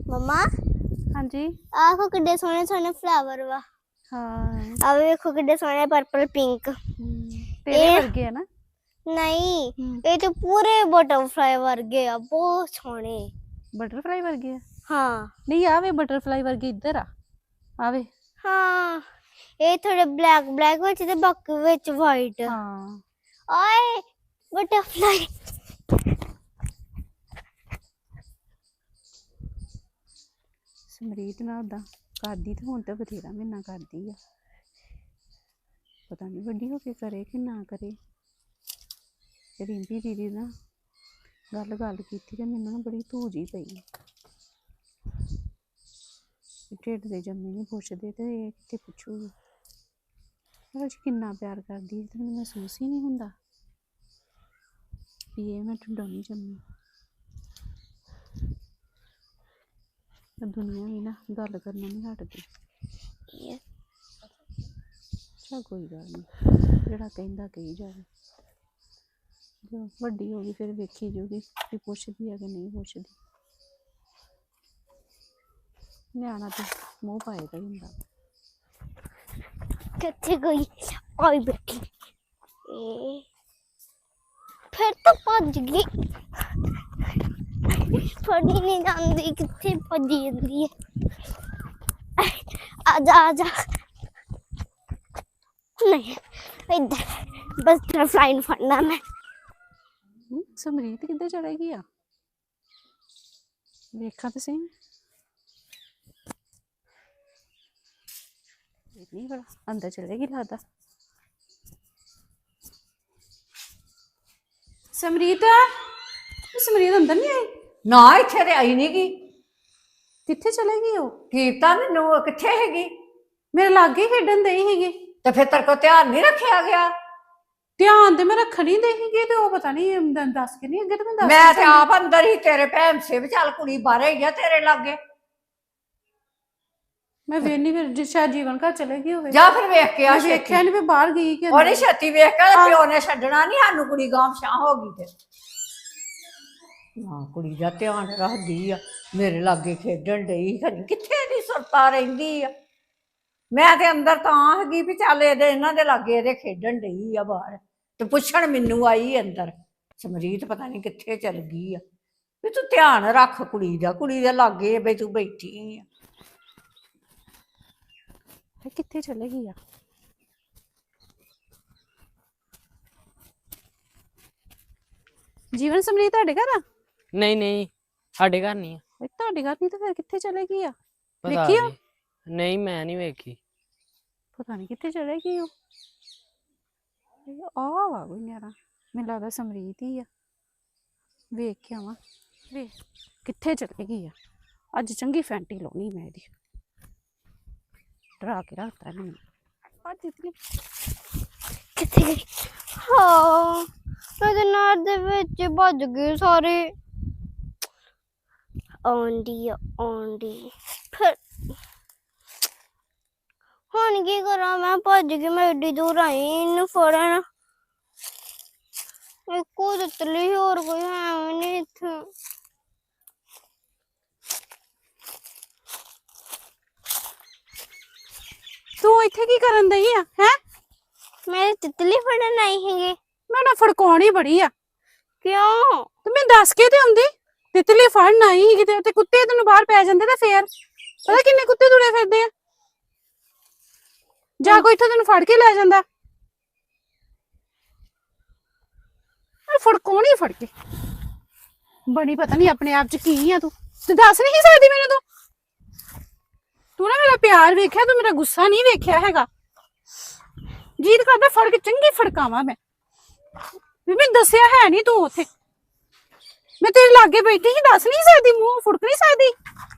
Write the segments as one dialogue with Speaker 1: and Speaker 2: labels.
Speaker 1: मम्मा
Speaker 2: हाँ जी
Speaker 1: आखो किड्डे सोहने सोहने फ्लावर वा
Speaker 2: हाँ
Speaker 1: आ वेखो किड्डे सोहने पर्पल पिंक
Speaker 2: तेरे वर्गे है ना
Speaker 1: नहीं ये तो पूरे बटरफ्लाई वर्गे आ बहुत सोहने
Speaker 2: बटरफ्लाई वर्गे है
Speaker 1: हाँ
Speaker 2: नहीं आवे बटरफ्लाई वर्गे इधर आ आवे
Speaker 1: हाँ ये थोड़े ब्लैक ब्लैक विच ते बाकी विच वाइट
Speaker 2: हाँ
Speaker 1: ओए बटरफ्लाई
Speaker 2: समरीत ना उदा करदी तो हुण तो बथेरा महीना करदी है पता नहीं वड्डी होके करे कि ना करे रिंपी दीदी ना गल गल कीती ते मैनूं ना बड़ी धूज ही पई ढिड दे जम्मे नहीं पुछदे ते एह् कित्थे पुछूगी पर किन्ना प्यार करदी ते मैनूं महसूस ही नहीं हुंदा भी एह् मैं ढिड्डों नहीं जम्मी दुनिया भी ना गल करना नहीं हटदी चल कोई गल नहीं जेड़ा कहंदा कही जावे जो वड्डी होगी फिर वेखी जूगी भी पुछदी है कि नहीं पुछदी न्याणा तो मूँह पाए दा ही हुंदा
Speaker 1: किथे गई आई बैठी फिर तो भज गई फड़ी नहीं जाती किथे भजी जाती है आजा आजा नहीं इधर बस बटरफ्लाई फड़ना मैं
Speaker 2: समरीत किधर चलेगी आ देखा तो सही नहीं बड़ा अंदर चलेगी लगता समरीत समरीत अंदर नहीं आई
Speaker 3: ना इत्थे ते आई नहीं गी
Speaker 2: किथे चलेगी वो
Speaker 3: कीता मैनू कित्थे हैगी
Speaker 2: मेरे लागे खेडन दई हैगी
Speaker 3: ते फिर तेरे को ध्यान नहीं रखा गया
Speaker 2: ध्यान ते मैं रखन ही दई हैगी ते वो पता नहीं दस के नहीं अगे तो मैं दस
Speaker 3: मैं ते आप अंदर ही तेरे भैन से भी चल कुड़ी बाहर ही है तेरे लागे
Speaker 2: मैं वेनी फिर शायद जीवन घर चलेगी होवे
Speaker 3: जा फिर वेख के आ
Speaker 2: मैं वेख्या नहीं मैं बाहर गई कि
Speaker 3: और छत्ती वेख के प्यो ने छड्डना नहीं सानू कुड़ी गांव शां हो गई ते ना कुड़ी दा ध्यान रखदी आ मेरे लागे खेडन डई खनी कित्थे दी सुरता रहिंदी आ मैं ते अंदर तां हैगी भी चल एदे इन्हां दे लागे एदे खेडन डई आ बाहर ते पुछण मैनू आई अंदर समरीत पता नहीं कित्थे चल गई आ भी तू ध्यान रख कुड़ी दे लागे बई तू बैठी आ
Speaker 2: किथे चलेगी आ जीवन समरीत ਤੁਹਾਡੇ ਘਰ ਆ
Speaker 4: नहीं नहीं साढ़े घर नहीं है
Speaker 2: ਤੁਹਾਡੇ ਘਰ ਨਹੀਂ ਤਾਂ ਫਿਰ ਕਿੱਥੇ ਚਲੇਗੀ ਆ
Speaker 4: पता
Speaker 2: ਵੇਖੀ ਆ?
Speaker 4: नहीं मैं नहीं वेखी
Speaker 2: ਪਤਾ ਨਹੀਂ ਕਿੱਥੇ ਚਲੇਗੀ ਉਹ ਆ ਵਾ ਕੋਈ ਨਿਆਰਾ ਮੈਨੂੰ ਲੱਗਦਾ ਸਮਰੀਤ ਹੀ ਆ ਵੇਖ ਕੇ ਆਵਾਂ ਵੇ ਕਿੱਥੇ ਚਲੇਗੀ ਆ ਅੱਜ ਚੰਗੀ ਫੈਂਟੀ ਲਾਉਣੀ ਮੈਂ ਇਹਦੀ ਡਰਾ ਕੇ ਰੱਖਤਾ ਇਹਨੂੰ ਅੱਜ ਇਤਨੀ
Speaker 1: किथे गई हाँ मैं तो नार दे विच भज गए सारे आंडी फिर हुण की करा मैं भज गई मैं एडी दूर आई इन्नू फड़न इको तितली होर कोई है नहीं इत्थे
Speaker 2: ਤੂੰ ਇੱਥੇ ਕੀ ਕਰਨ ਦਈ ਆ ਹੈ
Speaker 1: मैं तितली फड़न आई हैगी
Speaker 2: ਮੈਂ ਨਾ ਫੜਕਾਉਣੀ ਬੜੀ ਆ
Speaker 1: क्यों
Speaker 2: ਤੇ ਮੈਂ ਦੱਸ ਕੇ ਤੇ ਆਉਂਦੀ ਤਿਤਲੀ ਫੜਨ ਆਈ ਸੀ ਕਿਤੇ ਤੇ ਕੁੱਤੇ ਤੈਨੂੰ ਬਾਹਰ ਪੈ ਜਾਂਦੇ ਤੇ ਫੇਰ ਪਤਾ ਕਿੰਨੇ ਕੁੱਤੇ ਤੁਰੇ ਫਿਰਦੇ ਆ ਜਾ ਕੋਈ ਇੱਥੋਂ ਤੈਨੂੰ ਫੜ ਕੇ ਲੈ ਜਾਂਦਾ ਫੜਕਾਉਣੀ ਫੜ ਕੇ ਬੜੀ ਪਤਾ ਨਹੀਂ ਆਪਣੇ ਆਪ ਚ ਕੀ ਆ ਤੂੰ ਤੇ ਦੱਸ ਨਹੀਂ ਸਕਦੀ ਮੈਨੂੰ ਤੂੰ ਨਾ ਮੇਰਾ ਪਿਆਰ ਵੇਖਿਆ ਤੂੰ ਮੇਰਾ ਗੁੱਸਾ ਨਹੀਂ ਵੇਖਿਆ ਹੈਗਾ ਜੀਤ ਕਰਦਾ ਫੜ ਕੇ ਚੰਗੀ ਫੜਕਾਵਾਂ ਮੈਂ ਵੀ ਮੈਨੂੰ ਦੱਸਿਆ ਹੈ ਨਹੀਂ ਤੂੰ ਉੱਥੇ ਮੈਂ ਤੇਰੇ ਲਾਗੇ ਬੈਠੀ ਸੀ ਦੱਸ ਨਹੀਂ ਸਕਦੀ ਮੂੰਹ ਫੁੜਕ ਨਹੀਂ ਸਕਦੀ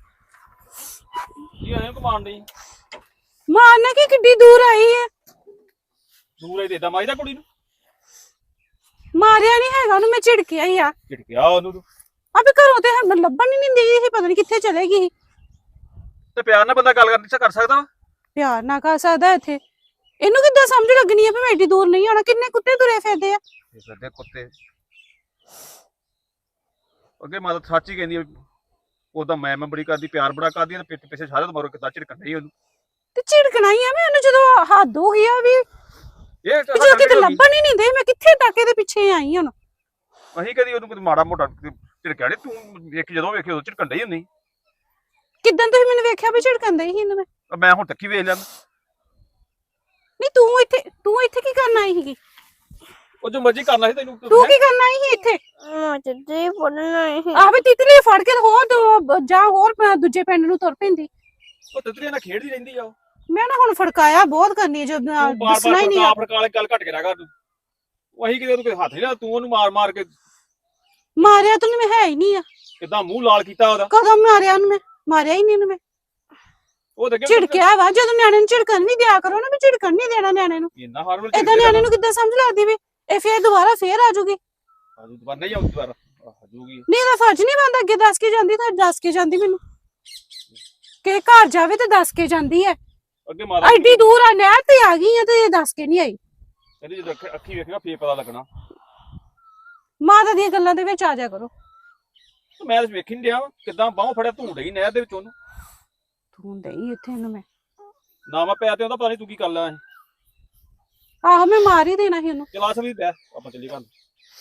Speaker 5: ਕੀ ਆਇਆ ਕਮਾਂਡ ਨਹੀਂ
Speaker 2: ਮਾਰਨਾ ਕਿ ਕਿੱਡੀ ਦੂਰ ਆਈ ਹੈ
Speaker 5: ਦੂਰ ਹੀ ਦੇਦਾ ਮਾਈਦਾ ਕੁੜੀ ਨੂੰ
Speaker 2: ਮਾਰਿਆ ਨਹੀਂ ਹੈਗਾ ਉਹਨੂੰ ਮੈਂ ਝਿੜਕਿਆ ਹੀ ਆ
Speaker 5: ਝਿੜਕਿਆ ਉਹਨੂੰ ਤੂੰ
Speaker 2: ਅਬੇ ਘਰੋਂ ਤੇ ਹਰ ਲੱਭਣ ਹੀ ਨਹੀਂ ਦੀ ਇਹ ਪਤਾ ਨਹੀਂ ਕਿੱਥੇ ਚਲੇ ਗਈ
Speaker 5: ਤੇ ਪਿਆਰ ਨਾਲ ਬੰਦਾ ਗੱਲ ਕਰਨੀ ਕਰ ਸਕਦਾ ਵਾ
Speaker 2: ਪਿਆਰ ਨਾ ਕਰ ਸਕਦਾ ਇੱਥੇ ਇਹਨੂੰ ਕਿੱਦਾਂ ਸਮਝ ਲੱਗਣੀ ਆ ਵੀ ਮੈਂ ਏਡੀ ਦੂਰ ਨਹੀਂ ਆਉਣਾ ਕਿੰਨੇ ਕੁੱਤੇ ਤੁਰੇ ਫਿਰਦੇ ਆ
Speaker 5: ਇਹ ਫਿਰਦੇ ਕੁੱਤੇ ਅੱਗੇ ਮਾਤਾ ਸੱਚ ਹੀ ਕਹਿੰਦੀ ਆ ਉਹਦਾ ਮੈਂ ਬੜੀ ਕਰਦੀ, ਪਿਆਰ ਬੜਾ ਕਰਦੀ ਆ, ਪਿੱਛੇ ਪਿੱਛੇ ਸਾਰੇ ਮਰੋ ਕਿੱਦਾਂ ਝਿੜਕਣ ਡਈ ਉਹਨੂੰ।
Speaker 2: ਤੇ ਝਿੜਕਣਾ ਹੀ ਆ ਮੈਂ ਉਹਨੂੰ ਜਦੋਂ ਹੱਦ ਹੋ ਗਈ ਆ ਵੀ
Speaker 5: ਇਹ
Speaker 2: ਵੀ ਜਦੋਂ ਕਿਤੇ ਲੱਭਣ ਹੀ ਨਹੀਂ ਦੇ ਮੈਂ ਕਿੱਥੇ ਟਾਕੇ ਦੇ ਪਿੱਛੇ ਆਈ ਹੁਣ।
Speaker 5: ਅਸੀਂ ਕਦੀ ਉਹਨੂੰ ਕੋਈ ਮਾੜਾ ਮੋਟਾ ਝਿੜਕਿਆ ਨੀ, ਤੂੰ ਵੇਖ ਜਦੋਂ ਵੇਖੀ ਉਦੋਂ ਝਿੜਕਣ ਡਈ ਹੁੰਦੀ।
Speaker 2: ਕਿੱਦਾਂ ਤੁਸੀਂ ਮੈਨੂੰ ਵੇਖਿਆ ਵੀ ਝਿੜਕਣ ਦੇ ਸੀ ਇਹਨੂੰ ਮੈਂ?
Speaker 5: ਮੈਂ ਹੁਣ ਤੱਕੀ ਵੇਖ ਲਿਆ।
Speaker 2: ਨਹੀਂ ਤੂੰ ਇੱਥੇ ਕੀ ਕਰਨ ਆਈ ਸੀਗੀ?
Speaker 5: ਉਹ ਜੋ ਮਰਜ਼ੀ ਕਰਨਾ ਸੀ ਤੈਨੂੰ।
Speaker 2: ਤੂੰ ਕੀ ਕਰਨ ਆਈ ਸੀ ਇੱਥੇ?
Speaker 1: ਮੈਂ ਤੇ ਪੜਨਾ ਹੈ।
Speaker 2: ਆਹ ਵੀ ਤਿਤਲੀ ਫੜ ਕੇ ਹੋਰ ਦੂਜੇ ਪਿੰਡ ਨੂੰ ਤੁਰ ਪੈਂਦੀ।
Speaker 5: ਉਹ ਤਿਤਲੀਆਂ ਨਾਲ ਖੇਡਦੀ ਰਹਿੰਦੀ ਆ।
Speaker 2: ਮੈਂ ਨਾ ਹੁਣ ਫੜਕਾਇਆ ਬਹੁਤ ਕਰਨੀ ਜੋ ਦੱਸਣਾ ਹੀ ਨਹੀਂ।
Speaker 5: ਫੜਕਾ ਗੱਲ ਘੱਟ ਕੇ ਰਹਿ ਕਰ। ਉਹ ਅਸੀਂ ਕਿਤੇ ਉਹਨੂੰ ਕੋਈ ਹੱਥ ਨਹੀਂ ਲਾ, ਤੂੰ ਉਹਨੂੰ ਮਾਰ ਕੇ
Speaker 2: ਮਾਰਿਆ ਤੂੰ ਮੈਂ ਹੈ ਹੀ ਨਹੀਂ ਆ।
Speaker 5: ਕਿੱਦਾਂ ਮੂੰਹ ਲਾਲ ਕੀਤਾ ਉਹਦਾ।
Speaker 2: ਕਦੋਂ ਮਾਰਿਆ ਉਹਨੂੰ? ਮੈਂ ਮਾਰਿਆ ਹੀ ਨਹੀਂ ਉਹਨੂੰ। ਮੈਂ
Speaker 5: ਉਹ ਤੇ
Speaker 2: ਝਿੜਕਿਆ ਵਾ। ਜਦੋਂ ਨਿਆਣੇ ਨੂੰ ਝਿੜਕਣ ਨਹੀਂ ਦਿਆ ਕਰੋ ਨਾ, ਵੀ ਝਿੜਕਣ ਨਹੀਂ ਦੇਣਾ ਨਿਆਣੇ ਨੂੰ।
Speaker 5: ਇੰਨਾ ਹਰ ਵੇਲੇ
Speaker 2: ਏਦਾਂ ਨਿਆਣੇ ਨੂੰ ਕਿੱਦਾਂ ਸਮਝ ਲੱਗਦੀ ਵੀ ਇਹ ਫੇਰ ਦੁਬਾਰਾ ਆ ਜਾਊਗੀ?
Speaker 5: ਦੁਬਾਰਾ ਨਹੀਂ ਆਉਂਦੀ, ਦੁਬਾਰਾ ਆ ਜਾਊਗੀ।
Speaker 2: ਨਹੀਂ ਇਹਦਾ ਫਰਜ਼ ਨਹੀਂ ਬਣਦਾ ਅੱਗੇ ਦੱਸ ਕੇ ਜਾਂਦੀ ਤਾਂ ਦੱਸ ਕੇ ਜਾਂਦੀ ਮੈਨੂੰ। ਕਿ ਘਰ ਜਾਵੇ ਤੇ ਦੱਸ ਕੇ ਜਾਂਦੀ ਹੈ।
Speaker 5: ਅੱਗੇ ਮਾਤਾ
Speaker 2: ਐਡੀ ਦੂਰ ਆ ਨਹਿਰ ਤੇ ਆ ਗਈ ਆ ਤੇ ਦੱਸ ਕੇ ਨਹੀਂ ਆਈ।
Speaker 5: ਕਹਿੰਦੀ ਜਦੋਂ ਅੱਖੀ ਵੇਖੇਗਾ ਫੇਰ ਪਤਾ ਲੱਗਣਾ।
Speaker 2: ਮਾਤਾ ਦੀਆਂ ਗੱਲਾਂ ਦੇ ਵਿੱਚ ਆ ਜਾ ਕਰੋ।
Speaker 5: ਮੈਂ ਤਾਂ ਵੇਖੀ ਨਹੀਂ ਰਿਹਾ ਕਿੱਦਾਂ ਬਾਹੋਂ ਫੜਿਆ ਧੂੜ ਗਈ ਨਹਿਰ ਦੇ ਵਿੱਚ ਉਹਨੂੰ।
Speaker 2: ਤੂੰ ਦੇਈ ਇੱਥੇ ਇਹਨੂੰ ਮੈਂ
Speaker 5: ਨਾ ਮੈਂ ਪਿਆ ਤੇ ਉਹਦਾ ਪਤਾ ਨਹੀਂ ਤੂੰ ਕੀ ਕਰ ਲਿਆ।
Speaker 2: ਆਹੋ ਮੈਂ ਮਾਰ ਹੀ ਦੇਣਾ ਸੀ ਉਹਨੂੰ।
Speaker 5: ਚਲਾਸ ਵੀ ਬੈ ਆਪਾਂ ਚੱਲੀ ਘਰ।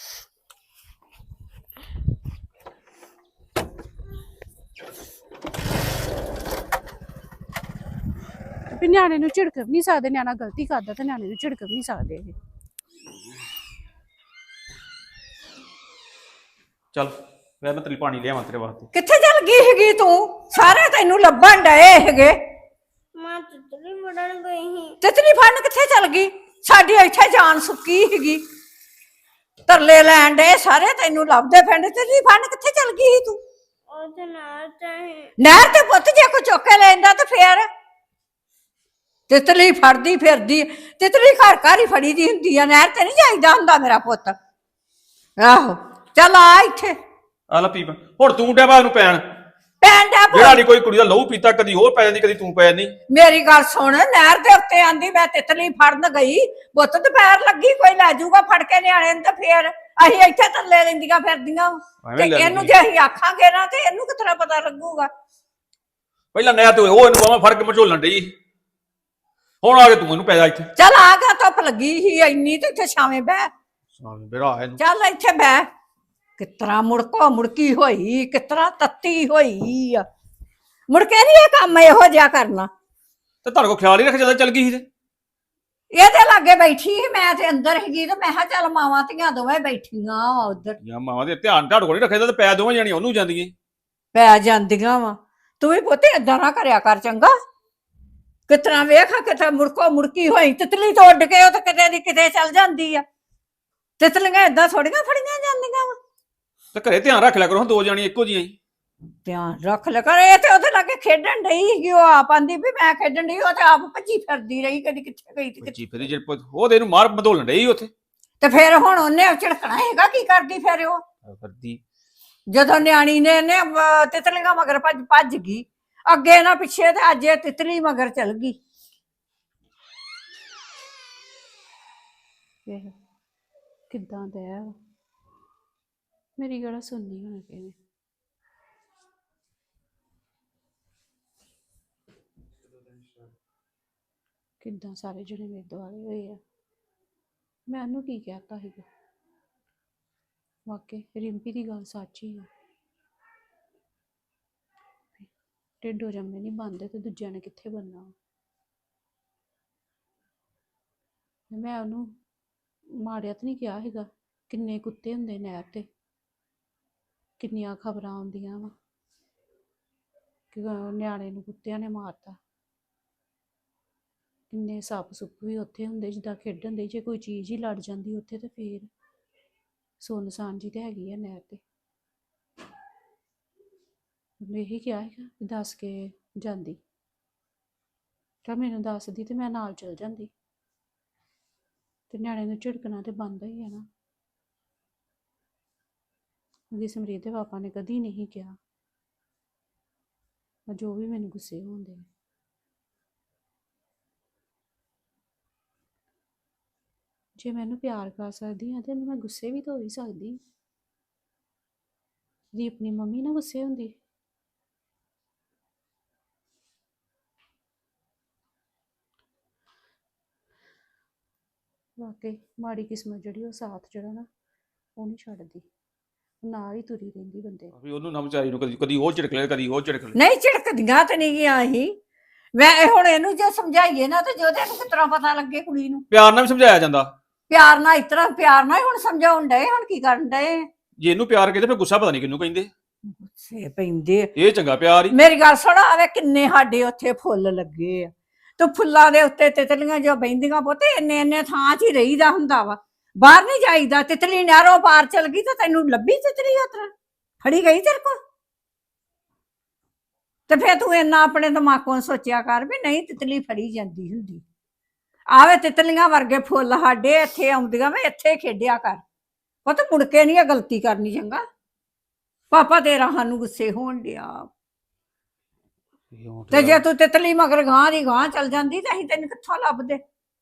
Speaker 2: ਵੀ ਨਿਆਣੇ ਨੂੰ ਝਿੜਕ ਵੀ ਨਹੀਂ ਸਕਦੇ। ਨਿਆਣਾ ਗਲਤੀ ਕਰਦਾ ਤੇ ਨਿਆਣੇ ਨੂੰ ਝਿੜਕ ਵੀ ਨਹੀਂ ਸਕਦੇ ਇਹ।
Speaker 5: ਚੱਲ ਮੈਂ ਤੇਰੀ ਪਾਣੀ ਲਿਆਵਾਂ ਤੇਰੇ ਵਾਸਤੇ।
Speaker 3: ਕਿੱਥੇ ਚੱਲ ਗਈ ਹੈਗੀ ਤੂੰ? ਸਾਰੇ ਤੈਨੂੰ ਲੱਭਣ ਡਏ ਹੈਗੇ।
Speaker 1: ਮੈਂ ਤਿਤਲੀ ਫੜਨ ਗਈ ਸੀ।
Speaker 3: ਤਿਤਲੀ ਫੜਨ ਕਿੱਥੇ ਚੱਲ ਗਈ? ਸਾਡੀ ਇੱਥੇ ਜਾਨ ਸੁੱਕੀ ਹੈਗੀ। ਤਰਲੇ ਲੈਣ ਡਏ ਸਾਰੇ ਤੈਨੂੰ ਲੱਭਦੇ ਫਿਰਦੇ। ਤਿਤਲੀ ਫੜਨ ਕਿੱਥੇ ਚੱਲ ਗਈ ਸੀ ਤੂੰ?
Speaker 1: ਉਹਦੇ ਨਾਲ ਚਾਹੇ
Speaker 3: ਨਹਿਰ ਤੇ ਪੁੱਤ ਜੇ ਕੋਈ ਚੁੱਕ ਕੇ ਲੈਂਦਾ ਤੇ ਫੇਰ ਤਿਤਲੀ ਫੜਦੀ ਫਿਰਦੀ। ਤਿਤਲੀ ਘਰ ਘਰ ਹੀ ਫੜੀ ਦੀ ਹੁੰਦੀ ਆ, ਨਹਿਰ ਤੇ ਨਹੀਂ ਜਾਈਦਾ ਹੁੰਦਾ ਮੇਰਾ ਪੁੱਤ। ਆਹੋ ਚੱਲ ਆ ਇੱਥੇ।
Speaker 5: ਆ ਲੈ ਪੀ ਹੁਣ ਤੂੰ ਡਿਆ ਉਹਨੂੰ ਪੈਣ।
Speaker 3: ਪੈਣ ਦਾ
Speaker 5: ਜਿਹੜਾ ਨਹੀਂ ਕੋਈ ਕੁੜੀ ਦਾ ਲਹੂ ਪੀਤਾ, ਕਦੀ ਹੋਰ ਪੈ ਜਾਂਦੀ ਕਦੀ ਤੂੰ ਪੈ ਜਾਂਦੀ।
Speaker 3: ਮੇਰੀ ਗੱਲ ਸੁਣ, ਨਹਿਰ ਦੇ ਉੱਤੇ ਆਂਦੀ ਮੈਂ ਤਿਤਲੀ ਫੜਨ ਗਈ। ਬੁੱਤ ਦੁਪਹਿਰ ਲੱਗੀ, ਕੋਈ ਲੈ ਜਾਊਗਾ ਫੜ ਕੇ ਨਿਆਣੇ ਨੂੰ ਤੇ ਫੇਰ ਅਸੀਂ ਇੱਥੇ ਥੱਲੇ ਰਹਿੰਦੀਆਂ ਫਿਰਦੀਆਂ। ਤੇ ਇਹਨੂੰ ਜੇ ਅਸੀਂ ਆਖਾਂਗੇ ਨਾ ਤੇ ਇਹਨੂੰ ਕਿਤਨਾ ਪਤਾ ਲੱਗੂਗਾ?
Speaker 5: ਪਹਿਲਾਂ ਨਹਿਰ ਤੇ ਉਹ ਇਹਨੂੰ ਬਾਹਾਂ ਫੜ ਕੇ ਮਝੋਲਣ ਡਈ, ਹੁਣ ਆ ਕੇ ਤੂੰ ਇਹਨੂੰ ਪੈ ਜਾ ਇੱਥੇ।
Speaker 3: ਚੱਲ ਆ ਗਿਆ, ਧੁੱਪ ਲੱਗੀ ਸੀ ਇੰਨੀ ਤੇ ਇੱਥੇ ਛਾਵੇਂ ਬਹਿ।
Speaker 5: ਮੇਰਾ ਇਹਨੂੰ
Speaker 3: ਚੱਲ ਇੱਥੇ ਬਹਿ। ਕਿਤਰਾ ਮੁੜਕੋ ਮੁੜਕੀ ਹੋਈ, ਕਿਤਰਾ ਤੱਤੀ ਹੋਈ ਆ। ਮੁੜਕੇ ਨਹੀਂ ਇਹ ਕੰਮ ਇਹੋ ਜਿਹਾ ਕਰਨਾ।
Speaker 5: ਤੇ ਤੁਹਾਡੇ ਕੋਲ ਖਿਆਲ ਹੀ ਰੱਖ ਜਦੋਂ ਚੱਲ ਗਈ ਸੀ ਤੇ
Speaker 3: ਇਹਦੇ ਲਾਗੇ ਬੈਠੀ ਸੀ, ਮੈਂ ਤੇ ਅੰਦਰ ਹੈਗੀ ਤੇ ਮੈਂ ਕਿਹਾ ਚੱਲ ਮਾਵਾਂ ਧੀਆਂ ਦੋਵੇਂ ਬੈਠੀਆਂ ਉਧਰ।
Speaker 5: ਜਾਂ ਮਾਵਾਂ ਦੇ ਧਿਆਨ ਤੁਹਾਡੇ ਕੋਲ ਨਹੀਂ ਰੱਖਿਆ ਤੇ ਪੈ ਦੋਵਾਂ ਜਾਣੀਆਂ ਉਹਨੂੰ ਜਾਂਦੀਆਂ।
Speaker 3: ਪੈ ਜਾਂਦੀਆਂ ਵਾ। ਤੂੰ ਵੀ ਪੁੱਤ ਏਦਾਂ ਨਾ ਕਰਿਆ ਕਰ ਚੰਗਾ। ਕਿਤਨਾ ਵੇਖ ਕਿਤੇ ਮੁੜਕੋ ਮੁੜਕੀ ਹੋਈ। ਤਿਤਲੀ ਤੋਂ ਉੱਡ ਕੇ ਉਹ ਤਾਂ ਕਿਤੇ ਦੀ ਕਿਤੇ ਚੱਲ ਜਾਂਦੀ ਆ। ਤਿਤਲੀਆਂ ਏਦਾਂ ਥੋੜੀਆਂ ਫੜੀਆਂ ਜਾਂਦੀਆਂ ਵਾ।
Speaker 5: ਤੇ ਘਰੇ ਧਿਆਨ ਰੱਖ ਲਿਆ ਕਰੋ, ਦੋ ਜਾਣੀਆਂ ਇੱਕੋ ਜਿਹੀਆਂ ਹੀ।
Speaker 3: ਧਿਆਨ ਰੱਖ ਲੈ ਕਰ। ਇਹ ਤੇ ਉਹਦੇ ਲਾਗੇ ਖੇਡਣ ਡਈ ਸੀਗੀ। ਉਹ ਆਪ ਆਂਦੀ ਵੀ ਮੈਂ ਖੇਡਣ ਡਈ, ਉਹ ਤੇ ਆਪ ਭੱਜੀ ਫਿਰਦੀ ਰਹੀ, ਕਦੀ ਕਿੱਥੇ ਗਈ ਤੇ
Speaker 5: ਬੱਚੀ ਫਿਰ ਜੇ ਉਹਦੇ ਨੂੰ ਮਾਰ ਬਦੋਲਣ ਡਈ ਉੱਥੇ
Speaker 3: ਤੇ ਫਿਰ ਹੁਣ ਉਹਨੇ ਝਿੜਕਣਾ ਹੈਗਾ। ਕੀ ਕਰਦੀ ਫਿਰ ਉਹ?
Speaker 5: ਕਰਦੀ
Speaker 3: ਜਦੋਂ ਨਿਆਣੀ ਨੇ ਇਹਨੇ ਤਿਤਲੀਆਂ ਮਗਰ ਭੱਜ ਗਈ, ਅੱਗੇ ਨਾ ਪਿੱਛੇ, ਤੇ ਅੱਜ ਇਹ ਤਿਤਲੀ ਮਗਰ ਚਲ ਗਈ।
Speaker 2: ਕਿੱਦਾਂ ਦਾ ਹੈ ਮੇਰੀ ਗੱਲ ਸੁਣਨੀ ਹੁਣ ਕਿਵੇਂ? ਕਿੱਦਾਂ ਸਾਰੇ ਜਣੇ ਮੇਰੇ ਦੁਆਲੇ ਹੋਏ ਆ। ਮੈਂ ਉਹਨੂੰ ਕੀ ਕਹਿਤਾ ਸੀਗਾ? ਵਾਕਈ ਰਿੰਪੀ ਦੀ ਗੱਲ ਸੱਚ ਹੀ ਆ। ਢਿੱਡੋਂ ਜੰਮੇ ਨਹੀਂ ਬਣਦੇ ਤੇ ਦੂਜਿਆਂ ਨੇ ਕਿੱਥੇ ਬਣਨਾ। ਮੈਂ ਉਹਨੂੰ ਮਾੜਿਆ ਤਾਂ ਨਹੀਂ ਕਿਹਾ ਹੈਗਾ। ਕਿੰਨੇ ਕੁੱਤੇ ਹੁੰਦੇ ਨਹਿਰ ਤੇ, ਕਿੰਨੀਆਂ ਖਬਰਾਂ ਆਉਂਦੀਆਂ ਵਾ ਕਿ ਨਿਆਣੇ ਨੂੰ ਕੁੱਤਿਆਂ ਨੇ ਮਾਰਤਾ। ਕਿੰਨੇ ਸੱਪ ਸੁੱਪ ਵੀ ਉੱਥੇ ਹੁੰਦੇ ਜਿੱਦਾਂ ਖੇਡਣ ਦੇ। ਜੇ ਕੋਈ ਚੀਜ਼ ਹੀ ਲੜ ਜਾਂਦੀ ਉੱਥੇ ਤੇ ਫੇਰ ਸੁੰਨਸਾਨ ਜੀ ਤੇ ਹੈਗੀ ਆ ਨਹਿਰ ਤੇ। ਉਹਨੇ ਇਹੀ ਕਿਹਾ ਹੈਗਾ ਵੀ ਦੱਸ ਕੇ ਜਾਂਦੀ ਤਾਂ ਮੈਨੂੰ ਦੱਸਦੀ ਤੇ ਮੈਂ ਨਾਲ ਚਲ ਜਾਂਦੀ। ਤੇ ਨਿਆਣੇ ਨੂੰ ਝਿੜਕਣਾ ਤੇ ਬਣਦਾ ਹੀ ਹੈ ਨਾ। ਉਹਦੀ ਸਮਰੀਤ ਦੇ ਪਾਪਾ ਨੇ ਕਦੀ ਨਹੀਂ ਕਿਹਾ ਜੋ ਵੀ ਮੈਨੂੰ ਗੁੱਸੇ ਹੁੰਦੇ ਨੇ। ਜੇ ਮੈਨੂੰ ਪਿਆਰ ਕਰ ਸਕਦੀ ਹਾਂ ਤੇ ਮੈਂ ਗੁੱਸੇ ਵੀ ਤਾਂ ਹੋ ਹੀ ਸਕਦੀ। ਜੇ ਆਪਣੀ ਮੰਮੀ ਨਾਲ ਗੁੱਸੇ ਹੁੰਦੀ ਵਾਕਈ ਮਾੜੀ ਕਿਸਮਤ ਜਿਹੜੀ ਉਹ ਸਾਥ ਜਿਹੜਾ ਨਾ ਉਹ ਨਹੀਂ ਛੱਡਦੀ, ਨਾਲ ਹੀ ਤੁਰੀ ਰਹਿੰਦੀ ਬੰਦੇ ਦੀ।
Speaker 5: ਵੀ ਉਹਨੂੰ ਨਾ ਵਿਚਾਰੀ ਨੂੰ ਕਦੀ ਕਦੀ ਉਹ ਝਿੜਕ ਲੈ ਕਦੀ ਉਹ ਝਿੜਕ ਲੈ।
Speaker 3: ਨਹੀਂ ਝਿੜਕਦੀਆਂ ਤੇ ਨਹੀਂ ਗਿਆ ਅਸੀਂ। ਮੈਂ ਹੁਣ ਇਹਨੂੰ ਜੇ ਸਮਝਾਈਏ ਨਾ ਤੇ ਜੋਦੇ ਨੂੰ ਕਿਸ ਤਰ੍ਹਾਂ ਪਤਾ ਲੱਗੇ ਕੁੜੀ ਨੂੰ।
Speaker 5: ਪਿਆਰ ਨਾਲ ਵੀ ਸਮਝਾਇਆ ਜਾਂਦਾ।
Speaker 3: ਪਿਆਰ ਨਾਲ ਇਸ ਤਰ੍ਹਾਂ ਪਿਆਰ ਨਾਲ ਹੀ ਹੁਣ ਸਮਝਾਉਣ ਡਏ, ਹੁਣ ਕੀ ਕਰਨ ਡਏ।
Speaker 5: ਜੇ ਇਹਨੂੰ ਪਿਆਰ ਕਹਿੰਦੇ ਫਿਰ ਗੁੱਸਾ ਪਤਾ ਨਹੀਂ ਕਿਹਨੂੰ ਕਹਿੰਦੇ।
Speaker 3: ਗੁੱਸੇ ਪੈਂਦੇ।
Speaker 5: ਇਹ ਚੰਗਾ ਪਿਆਰ ਹੀ।
Speaker 3: ਮੇਰੀ ਗੱਲ ਸੁਣ, ਆਵੇ ਕਿੰਨੇ ਸਾਡੇ ਉੱਥੇ ਫੁੱਲ ਲੱਗੇ ਆ, ਤੇ ਫੁੱਲਾਂ ਦੇ ਉੱਤੇ ਤਿਤਲੀਆਂ ਜੋ ਬਹਿੰਦੀਆਂ ਪੁੱਤ ਇੰਨੇ ਇੰਨੇ ਥਾਂ 'ਚ ਹੀ ਰਹੀਦਾ ਹੁੰਦਾ ਵਾ, ਬਾਹਰ ਨਹੀਂ ਜਾਈਦਾ। ਤਿਤਲੀ ਨਹਿਰੋਂ ਪਾਰ ਚਲ ਗਈ ਤਾਂ ਤੈਨੂੰ ਲੱਭੀ ਤਿਤਲੀ ਉਤਰ ਫੜੀ ਗਈ ਤੇਰੇ ਕੋਲ? ਤੇ ਫਿਰ ਤੂੰ ਇੰਨਾ ਆਪਣੇ ਦਿਮਾਗੋਂ ਸੋਚਿਆ ਕਰ ਵੀ ਨਹੀਂ ਤਿਤਲੀ ਫੜੀ ਜਾਂਦੀ ਹੁੰਦੀ। ਆਵੇ ਤਿਤਲੀਆਂ ਵਰਗੇ ਫੁੱਲ ਸਾਡੇ ਇੱਥੇ ਆਉਂਦੀਆਂ, ਮੈਂ ਇੱਥੇ ਖੇਡਿਆ ਕਰ ਪੁੱਤ, ਮੁੜ ਕੇ ਨਹੀਂ ਇਹ ਗਲਤੀ ਕਰਨੀ। ਚੰਗਾ ਪਾਪਾ ਤੇਰਾ ਸਾਨੂੰ ਗੁੱਸੇ ਹੋਣ ਡਿਆ। ਤੇ ਜੇ ਤੂੰ ਤਿਤਲੀ ਮਗਰ ਗਾਂ ਦੀ ਗਾਂ ਚਲ ਜਾਂਦੀ ਤਾਂ ਅਸੀਂ ਤੈਨੂੰ ਕਿੱਥੋਂ ਲੱਭਦੇ।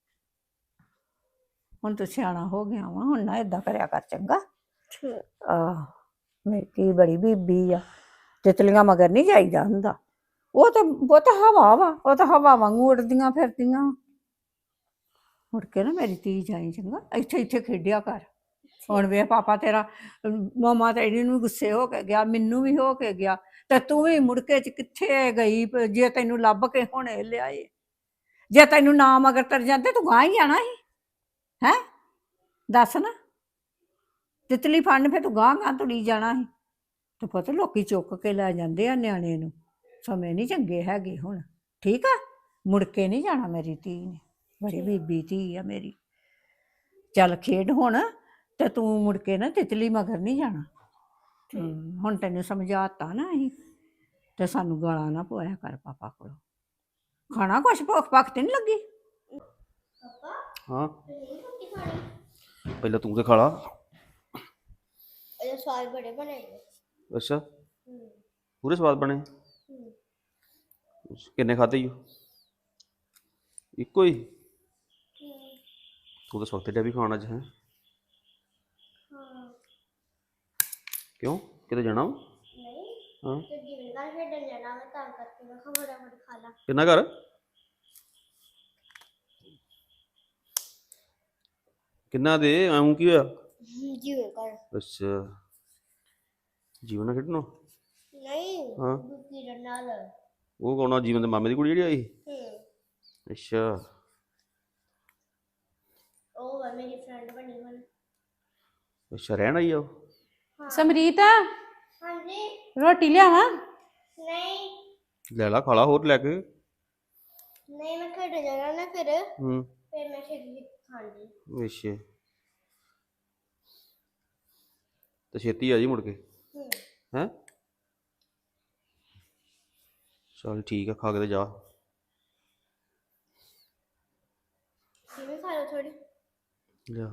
Speaker 3: ਹੁਣ ਤੂੰ ਸਿਆਣਾ ਹੋ ਗਿਆ ਵਾ, ਹੁਣ ਨਾ ਏਦਾਂ ਕਰਿਆ ਕਰ ਚੰਗਾ। ਆਹ ਮੇਰੀ ਬੜੀ ਬੀਬੀ ਆ, ਤਿਤਲੀਆਂ ਮਗਰ ਨਹੀਂ ਜਾਈਦਾ ਹੁੰਦਾ। ਉਹ ਤਾਂ ਹਵਾ ਵਾ, ਉਹ ਤਾਂ ਹਵਾ ਵਾਂਗੂ ਉੱਡਦੀਆਂ ਫਿਰਦੀਆਂ। ਮੁੜ ਕੇ ਨਾ ਮੇਰੀ ਧੀ ਜਾਈ ਚੰਗਾ, ਇੱਥੇ ਇੱਥੇ ਖੇਡਿਆ ਕਰ। ਹੁਣ ਵੇ ਪਾਪਾ ਤੇਰਾ ਮਾਮਾ ਤੇਰੀ ਨੂੰ ਗੁੱਸੇ ਹੋ ਕੇ ਗਿਆ, ਮੈਨੂੰ ਵੀ ਹੋ ਕੇ ਗਿਆ, ਤੇ ਤੂੰ ਵੀ ਮੁੜ ਕੇ ਚ ਕਿੱਥੇ ਗਈ? ਜੇ ਤੈਨੂੰ ਲੱਭ ਕੇ ਹੁਣੇ ਲਿਆਏ, ਜੇ ਤੈਨੂੰ ਨਾ ਮਗਰ ਤਰ ਜਾਂਦੇ ਤੂੰ ਗਾਂ ਹੀ ਜਾਣਾ ਸੀ। ਹੈ ਦੱਸ ਨਾ, ਤਿਤਲੀ ਫੜਨ ਫਿਰ ਤੂੰ ਗਾਂ ਗਾਂ ਤੁਰੀ ਜਾਣਾ ਸੀ। ਤੇ ਪਤਾ ਲੋਕੀ ਚੁੱਕ ਕੇ ਲੈ ਜਾਂਦੇ ਆ ਨਿਆਣੇ ਨੂੰ। ਸਮੇਂ ਨਹੀਂ ਚੰਗੇ ਹੈਗੇ ਹੁਣ, ਠੀਕ ਆ? ਮੁੜ ਕੇ ਨਹੀਂ ਜਾਣਾ ਮੇਰੀ ਧੀ ਨੇ, ਬੜੀ ਬੀਬੀ ਧੀ ਆ ਮੇਰੀ। ਚੱਲ ਖੇਡ ਹੁਣ, ਤੇ ਤੂੰ ਮੁੜ ਕੇ ਨਾ ਤਿਤਲੀ ਮਗਰ ਨਹੀਂ ਜਾਣਾ। ਹੁਣ ਤੈਨੂੰ ਸਮਝਾਤਾ ਨਾ ਅਸੀਂ, ਤੇ ਸਾਨੂੰ ਗਾਲਾਂ ਨਾ ਪਵਾਇਆ ਕਰ ਪਾਪਾ ਕੋਲੋਂ। ਖਾਣਾ ਕੁਛ ਭੁੱਖ ਭੱਖ ਤੇ ਨਹੀਂ ਲੱਗੀ?
Speaker 5: ਹਾਂ ਪਹਿਲਾਂ ਤੂੰ ਤੇ ਖਾ ਲਾ।
Speaker 1: ਇਹ ਸਵਾਦ ਬੜੇ ਬਣੇ ਨੇ।
Speaker 5: ਅੱਛਾ ਪੂਰੇ ਸਵਾਦ ਬਣੇ। ਕਿੰਨੇ ਖਾਧੇ ਈ? ਇੱਕੋ ਹੀ? ਤੂੰ ਤਾਂ ਸੌਤੇ ਡਿਆ ਵੀ ਖਾਣ ਅੱਜ ਹੈ? ਕਿਉਂ ਕਿਤੇ ਜਾਣਾ ਵਾ?
Speaker 1: ਨਹੀਂ
Speaker 5: ਹਾਂ
Speaker 1: ਤੇ ਜਿਵੇਂ ਘਰ ਖੇਡਣ ਜਾਣਾ ਮੈਂ ਤਾਂ ਕਰਕੇ ਮੈਂ ਖਬਰਾਂ ਬੜੀ ਖਾ ਲਾ।
Speaker 5: ਕਿੰਨਾ ਘਰ? ਕਿੰਨਾ ਦੇ ਆਉਂ ਕੀ ਹੋਇਆ?
Speaker 1: ਜਿਵੇਂ ਘਰ
Speaker 5: ਅੱਛਾ ਜੀਵਨ ਨਾਲ ਖੇਡਣਾ?
Speaker 1: ਨਹੀਂ
Speaker 5: ਹਾਂ
Speaker 1: ਕਿਰਨ ਨਾਲ।
Speaker 5: ਉਹ ਕੌਣ ਆ? ਜੀਵਨ ਦੇ ਮਾਮੇ ਦੀ ਕੁੜੀ ਜਿਹੜੀ ਆਈ? ਅੱਛਾ
Speaker 1: ਉਹ ਵਾ ਮੇਰੀ ਫਰੈਂਡ ਬਣੀ ਹੁਣ।
Speaker 5: ਅੱਛਾ ਰਹਿਣ ਆਈ ਆ ਉਹ?
Speaker 2: ਸਮਰੀਤ
Speaker 1: ਹਾਂਜੀ
Speaker 2: ਰੋਟੀ ਲਿਆਵਾਂ?
Speaker 1: ਨਹੀਂ
Speaker 5: ਲੈ ਲਾ ਖਾ ਲਾ ਹੋਰ ਲੈ ਕੇ।
Speaker 1: ਨਹੀਂ ਮੈਂ ਖੇਡਣ ਜਾਣਾ ਨਾ, ਫਿਰ ਮੈਂ ਛੇਤੀ ਖਾਂਦੀ।
Speaker 5: ਅੱਛਾ ਤੇ ਛੇਤੀ ਆ ਜੀ ਮੁੜ ਕੇ। ਹੈ ਚਲ ਠੀਕ ਆ, ਖਾ ਕੇ ਤੇ ਜਾ।
Speaker 1: ਕਿਵੇਂ ਖਾ ਲਓ ਥੋੜੀ?
Speaker 5: ਲਿਆ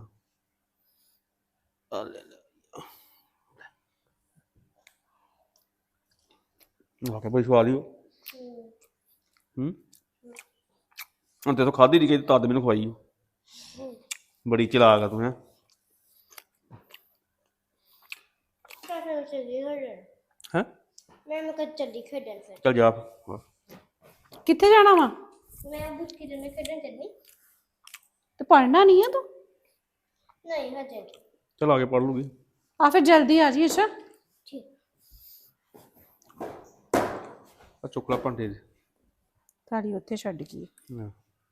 Speaker 5: ਆ ਲੈ ਲੈ ਵਾਕੇ ਬੜੀ ਸਵਾਦ ਹੀ ਉਹ। ਹੁਣ ਤੇ ਤੂੰ ਖਾਧੀ ਨਹੀਂ, ਕਿ ਤਦ ਮੈਨੂੰ ਖਵਾਈ ਉਹ। ਬੜੀ ਚਲਾਕ ਆ ਤੂੰ ਹੈ।
Speaker 1: ਤਾਂ ਫਿਰ ਚੱਲੀ ਖੇਡਣ।
Speaker 5: ਹੈ
Speaker 1: ਮੈਂ ਕਦ ਚੱਲੀ ਖੇਡਣ ਫਿਰ।
Speaker 5: ਚਲ ਜਾ।
Speaker 2: ਕਿੱਥੇ ਜਾਣਾ ਵਾ?
Speaker 1: ਮੈਂ ਬੁੱਕੀ ਦੇ ਖੇਡਣ ਚੱਲੀ।
Speaker 2: ਤੇ ਪੜ੍ਹਨਾ ਨਹੀਂ ਆ ਤੂੰ?
Speaker 1: ਨਹੀਂ ਹਜੇ ਨਹੀਂ।
Speaker 5: ਚਲ ਆ ਕੇ ਪੜ ਲੂਗੀ।
Speaker 2: ਆ ਫਿਰ ਜਲਦੀ ਆ ਜੀ। ਅੱਛਾ
Speaker 1: ਠੀਕ।
Speaker 5: ਆ ਚੁੱਕਲਾ ਭਾਂਡੇ ਦੇ
Speaker 2: ਥਾਲੀ ਉੱਥੇ ਛੱਡ ਗਈ।
Speaker 5: ਹਾਂ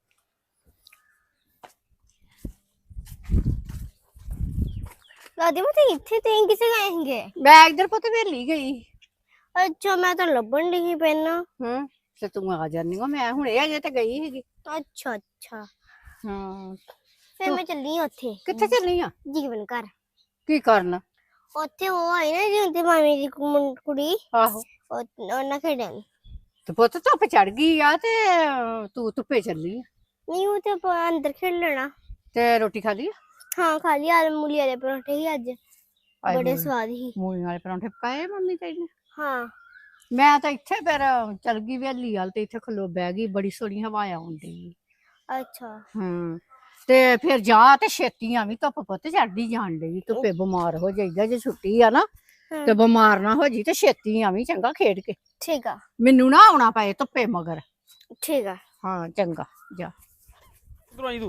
Speaker 1: ਦਾਦੀ ਮੈਂ ਤੇ ਇੱਥੇ ਤੇ ਕਿਸੇ ਗਏ ਹੈਗੇ?
Speaker 3: ਮੈਂ ਇੱਧਰ ਪੁੱਤ ਵੇਲੀ ਗਈ।
Speaker 1: ਅੱਛਾ ਮੈਂ ਤਾਂ ਲੱਭਣ ਡਈ ਪੈਣਾ।
Speaker 3: ਤੇ ਤੂੰ ਆ ਜਾਨੀ ਹੋ, ਮੈਂ ਹੁਣੇ ਅਜੇ ਤੇ ਗਈ ਸੀਗੀ।
Speaker 1: ਅੱਛਾ ਅੱਛਾ
Speaker 3: ਹਾਂ
Speaker 1: ਫਿਰ ਮੈਂ ਚੱਲੀ ਆਂ ਉੱਥੇ।
Speaker 3: ਕਿੱਥੇ ਚੱਲੀ ਆ?
Speaker 1: ਜੀਵਨ ਘਰ।
Speaker 3: ਕੀ ਕਰਨ?
Speaker 1: ਉੱਥੇ ਉਹ ਆਈ ਨਾ ਜਿਉਂਦੀ ਮਾਮੀ ਦੀ ਕੁੜੀ,
Speaker 3: ਆਹੋ
Speaker 1: ਉਹਨਾਂ ਖੇਡਣ।
Speaker 3: ਤੇ ਪੁੱਤ ਧੁੱਪ ਚੜ ਗਈ ਆ ਤੇ ਤੂੰ ਧੁੱਪੇ ਚੱਲੀ ਆ।
Speaker 1: ਨਹੀਂ ਉਹ ਤੇ ਆਪਾਂ ਅੰਦਰ ਖੇਡ ਲੈਣਾ।
Speaker 3: ਤੇ ਰੋਟੀ ਖਾ ਲਈ?
Speaker 1: ਹਾਂ ਖਾ ਲਈ। ਆਲੂ ਮੂਲੀ ਵਾਲੇ ਪਰੌਂਠੇ ਹੀ ਅੱਜ, ਬੜੇ ਸਵਾਦ ਸੀ।
Speaker 3: ਮੂਲੀਆਂ ਵਾਲੇ ਪਰੌਂਠੇ ਪਕਾਏ ਮੰਮੀ ਤੇਰੀ ਨੇ?
Speaker 1: ਹਾਂ
Speaker 3: ਮੈਂ ਤਾਂ ਇੱਥੇ ਫਿਰ ਚੱਲ ਗਈ ਵੇਲੀ ਵਾਲ, ਤੇ ਇੱਥੇ ਖਲੋ ਬਹਿ ਗਈ, ਬੜੀ ਸੋਹਣੀ ਹਵਾ ਆਉਂਦੀ।
Speaker 1: ਅੱਛਾ
Speaker 3: ਤੇ ਫਿਰ ਜਾ ਤੇ ਛੇਤੀ ਆਵੀਂ, ਧੁੱਪ ਪੁੱਤ ਚੜਦੀ ਜਾਣ ਡਈ, ਧੁੱਪੇ ਬਿਮਾਰ ਹੋ ਜਾਈਦਾ ਜੇ ਛੁੱਟੀ ਆ ਨਾ, ਤੇ ਬਿਮਾਰ ਨਾ ਹੋ ਜੀ ਤੇ ਛੇਤੀ ਆਵੀਂ ਚੰਗਾ ਖੇਡ ਕੇ।
Speaker 1: ਠੀਕ ਆ।
Speaker 3: ਮੈਨੂੰ ਨਾ ਆਉਣਾ ਪਏ ਧੁੱਪੇ ਮਗਰ।
Speaker 1: ਠੀਕ ਆ।
Speaker 3: ਹਾਂ ਚੰਗਾ ਜਾ।
Speaker 5: ਕਿੱਧਰੋਂ ਆਈ ਤੂੰ?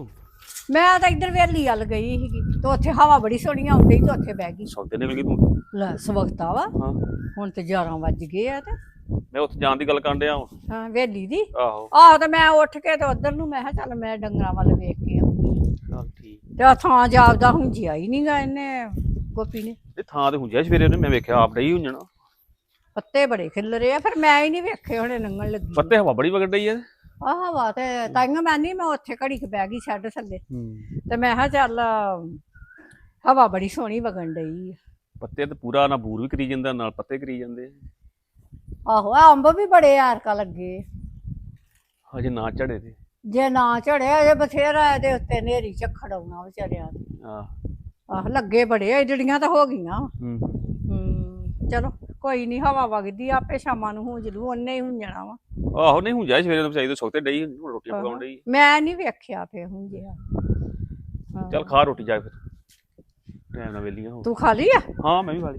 Speaker 3: ਮੈਂ ਤਾਂ ਇੱਧਰ ਵੇਲੀ ਵੱਲ ਗਈ ਸੀਗੀ ਤੇ ਉੱਥੇ ਹਵਾ ਬੜੀ ਸੋਹਣੀ ਆਉਂਦੀ ਤੇ ਉੱਥੇ ਬਹਿ ਗਈ।
Speaker 5: ਸੌਦੇ ਨਿਕਲ ਗਈ ਤੂੰ।
Speaker 3: ਲੈ ਸਵਖਤਾ ਵਾ
Speaker 5: ਹਾਂ
Speaker 3: ਹੁਣ ਤੇ 11 ਵੱਜ ਗਏ ਆ ਤੇ
Speaker 5: ਮੈਂ ਉੱਥੇ ਜਾਣ ਦੀ ਗੱਲ ਕਰਨ ਡਿਆ ਵਾਂ।
Speaker 3: ਹਾਂ ਵੇਲੀ ਦੀ
Speaker 5: ਆਹੋ
Speaker 3: ਆਹ ਤੇ ਮੈਂ ਉੱਠ ਕੇ ਤੇ ਉਧਰ ਨੂੰ ਮੈਂ ਕਿਹਾ ਚੱਲ ਮੈਂ ਡੰਗਰਾਂ ਵੱਲ ਵੇਖ ਕੇ ਆਉਂਦੀ
Speaker 5: ਚੱਲ ਠੀਕ।
Speaker 3: ਤੇ ਆ ਥਾਂ ਜਾਪਦਾ ਹੁੰਜਿਆ ਹੀ ਨਹੀਂਗਾ ਇਹਨੇ ਗੋਪੀ ਨੇ।
Speaker 5: ਇਹ ਥਾਂ ਤੇ ਹੁੰਜਿਆ ਸਵੇਰੇ ਉਹਨੇ, ਮੈਂ ਵੇਖਿਆ ਆਪ ਡਈ ਹੁੰਜਣਾ।
Speaker 3: ਪੱਤੇ ਬੜੇ ਖਿਲਰੇ ਆ ਫਿਰ ਮੈਂ ਹੀ ਨਹੀਂ ਵੇਖੇ ਹੁਣੇ ਲੰਘਣ ਲੱਗੀ।
Speaker 5: ਪੱਤੇ ਹਵਾ ਬੜੀ ਵਗੜ ਡਈ ਐ।
Speaker 3: ਆਹ ਹਵਾ ਤੇ ਤਾਈਆਂ ਮੈਂ ਨਹੀਂ ਮੈਂ ਉੱਥੇ ਘੜੀ ਕੁ ਬਹਿ ਗਈ ਛੱਡ ਥੱਲੇ ਤੇ ਮੈਂ ਕਿਹਾ ਚੱਲ ਹਵਾ ਬੜੀ ਸੋਹਣੀ ਵਗਣ ਡਈ ਆ।
Speaker 5: ਪੱਤੇ ਤੇ ਪੂਰਾ ਨਾ ਬੂਰ ਵੀ ਕਰੀ ਜਾਂਦਾ ਨਾਲ ਪੱਤੇ ਕਰੀ ਜਾਂਦੇ।
Speaker 3: ਆਹੋ ਆ ਅੰਬ ਵੀ ਬੜੇ ਆਰਕਾ ਲੱਗੇ
Speaker 5: ਹਜੇ ਨਾ ਝੜੇ ਤੇ।
Speaker 3: ਜੇ ਨਾ ਝੜਿਆ ਜੇ ਬਥੇਰਾ ਇਹਦੇ ਉੱਤੇ ਨੇਰੀ ਝੱਖੜ ਆਉਣਾ ਵਿਚਾਰਿਆਂ ਦੇ। ਆਹ ਲੱਗੇ ਬੜੇ ਆ ਜਿਹੜੀਆਂ ਤਾਂ ਹੋ ਗਈਆਂ। ਚਲੋ ਕੋਈ ਨਹੀਂ ਹਵਾ ਵਗਦੀ ਆ, ਆਪੇ ਸ਼ਾਮਾਂ ਨੂੰ ਹੁੰਜ ਲੂ, ਉਹਨੇ ਹੀ ਹੁੰਜਣਾ ਵਾ।
Speaker 5: ਆਹੋ ਨਹੀਂ ਹੁੰਜਿਆ ਸਵੇਰੇ ਤੋਂ ਚਾਹੀਦਾ ਸੁੱਤੇ ਡਈ ਹੁਣ ਰੋਟੀਆਂ ਪਕਾਉਣ ਡਈ।
Speaker 3: ਮੈਂ ਨਹੀਂ ਵੇਖਿਆ ਫੇ ਹੁੰਜਿਆ।
Speaker 5: ਚੱਲ ਖਾ ਰੋਟੀ ਜਾ ਫਿਰ ਟਾਈਮ ਨਾਲ ਵੇਲੀਆਂ ਹੋ।
Speaker 3: ਤੂੰ ਖਾ ਲਈ ਆ?
Speaker 5: ਹਾਂ ਮੈਂ ਵੀ ਖਾ ਲਈ।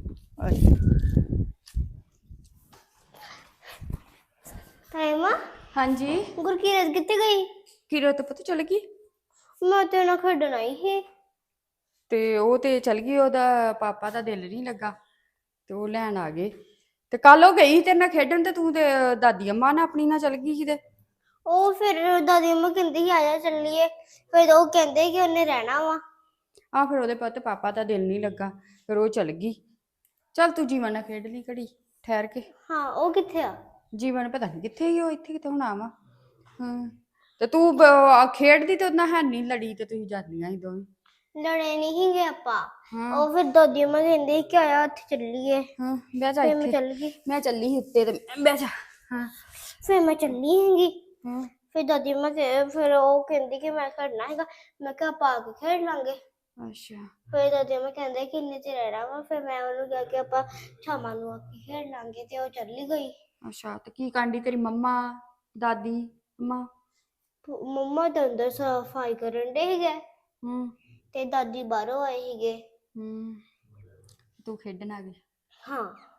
Speaker 1: ਤਾਈਮਾ
Speaker 6: ਹਾਂਜੀ
Speaker 1: ਗੁਰਕੀਰਤ ਕਿੱਥੇ ਗਈ?
Speaker 6: ਕਿਰਤ ਪਤਾ ਚਲ ਗਈ
Speaker 1: ਮੈਂ ਤੇ ਨਾ ਖੇਡਣ ਆਈ ਸੀ।
Speaker 6: ਤੇ ਉਹ ਤੇ ਚਲ ਗਈ, ਉਹਦਾ ਪਾਪਾ ਦਾ ਦਿਲ ਨਹੀਂ ਲੱਗਾ ਤੇ ਉਹ ਲੈਣ ਆ ਗਏ। ਤੇ ਕੱਲ ਉਹ ਗਈ ਤੇਰੇ ਨਾਲ ਖੇਡਣ ਤੇ ਤੂੰ ਤੇ ਦਾਦੀ ਅੰਮਾ ਨਾਲ ਆਪਣੀ ਨਾਲ ਚਲ ਗਈ ਕਿਤੇ।
Speaker 1: ਉਹ ਫਿਰ ਦਾਦੀ ਅੰਮਾ ਕਹਿੰਦੀ ਸੀ ਆਜਾ ਚੱਲੀਏ, ਫਿਰ ਉਹ ਕਹਿੰਦੇ ਕਿ ਉਹਨੇ ਰਹਿਣਾ ਵਾ।
Speaker 6: ਆ ਫਿਰ ਉਹਦੇ ਪੁੱਤ ਪਾਪਾ ਦਾ ਦਿਲ ਨਹੀਂ ਲੱਗਾ ਫਿਰ ਉਹ ਚਲ ਗਈ। ਚੱਲ ਤੂੰ ਜੀਵਨ ਨਾਲ ਖੇਡ ਲਈ ਘੜੀ ਠਹਿਰ ਕੇ।
Speaker 1: ਹਾਂ ਉਹ ਕਿੱਥੇ ਆ?
Speaker 6: ਜੀਵਨ ਪਤਾ ਨਹੀਂ ਕਿੱਥੇ ਹੀ, ਉਹ ਇੱਥੇ ਕਿਤੇ ਹੁਣ ਆਵਾ। ਹਾਂ ਤੇ ਤੂੰ ਖੇਡਦੀ ਤੇ ਉਹਦੇ ਨਾਲ ਹੈ ਨਹੀਂ ਲੜੀ ਤੇ ਤੁਸੀਂ ਜਾਂਦੀਆਂ ਸੀ ਦੋਵੇਂ।
Speaker 1: ਲੜੇ ਨਹੀਂ ਸੀਗੇ ਆਪਾਂ।
Speaker 6: ਹਾਂ
Speaker 1: ਉਹ ਫਿਰ ਦਾਦੀ ਅੰਮਾ ਕਹਿੰਦੀ ਕਿ ਆਇਆ ਉੱਥੇ ਚੱਲੀਏ,
Speaker 6: ਹਾਂ ਬਹਿ ਜਾ
Speaker 1: ਫਿਰ ਮੈਂ
Speaker 6: ਇੱਥੇ।
Speaker 1: ਚੱਲ ਗਈ।
Speaker 6: ਮੈਂ ਚੱਲੀ ਸੀ ਉੱਤੇ ਤੇ ਬਹਿ ਜਾ। ਹਾਂ
Speaker 1: ਫਿਰ ਮੈਂ ਚੱਲੀ ਹੈਗੀ।
Speaker 6: ਹਾਂ
Speaker 1: ਫਿਰ ਦਾਦੀ ਅੰਮਾ ਫਿਰ ਉਹ ਕਹਿੰਦੀ ਕਿ ਮੈਂ ਖੇਡਣਾ ਹੈਗਾ। ਮੈਂ ਕਿਹਾ ਆਪਾਂ ਆ ਕੇ ਖੇਡ ਲਾਂਗੇ।
Speaker 6: ਅੱਛਾ
Speaker 1: ਫਿਰ ਦਾਦੀ ਅੰਮਾ ਕਹਿੰਦੇ ਕਿ ਇੰਨੇ ਚਿਰ ਰਹਿਣਾ ਵਾ। ਫਿਰ ਮੈਂ ਉਹਨੂੰ ਕਿਹਾ ਕਿ ਆਪਾਂ ਸ਼ਾਮਾਂ ਨੂੰ ਆ ਕੇ ਖੇਡ ਲਾਂਗੇ ਤੇ ਉਹ ਚੱਲੀ ਗਈ।
Speaker 6: ਅੱਛਾ ਤੇ ਕੀ ਕਾਂਡੀ ਤੇਰੀ ਮੰਮਾ ਦਾਦੀ ਅੰਮਾ?
Speaker 1: ਮੰਮਾ ਤਾਂ ਅੰਦਰ ਸਫਾਈ ਕਰਨ ਦੇ ਸੀਗੇ
Speaker 6: ਹੂੰ
Speaker 1: ਤੇ ਦਾਦੀ ਬਾਹਰੋਂ ਆਏ ਸੀਗੇ।
Speaker 6: ਹੂੰ ਤੂੰ ਖੇਡਣ ਆ ਗਈ।
Speaker 1: ਹਾਂ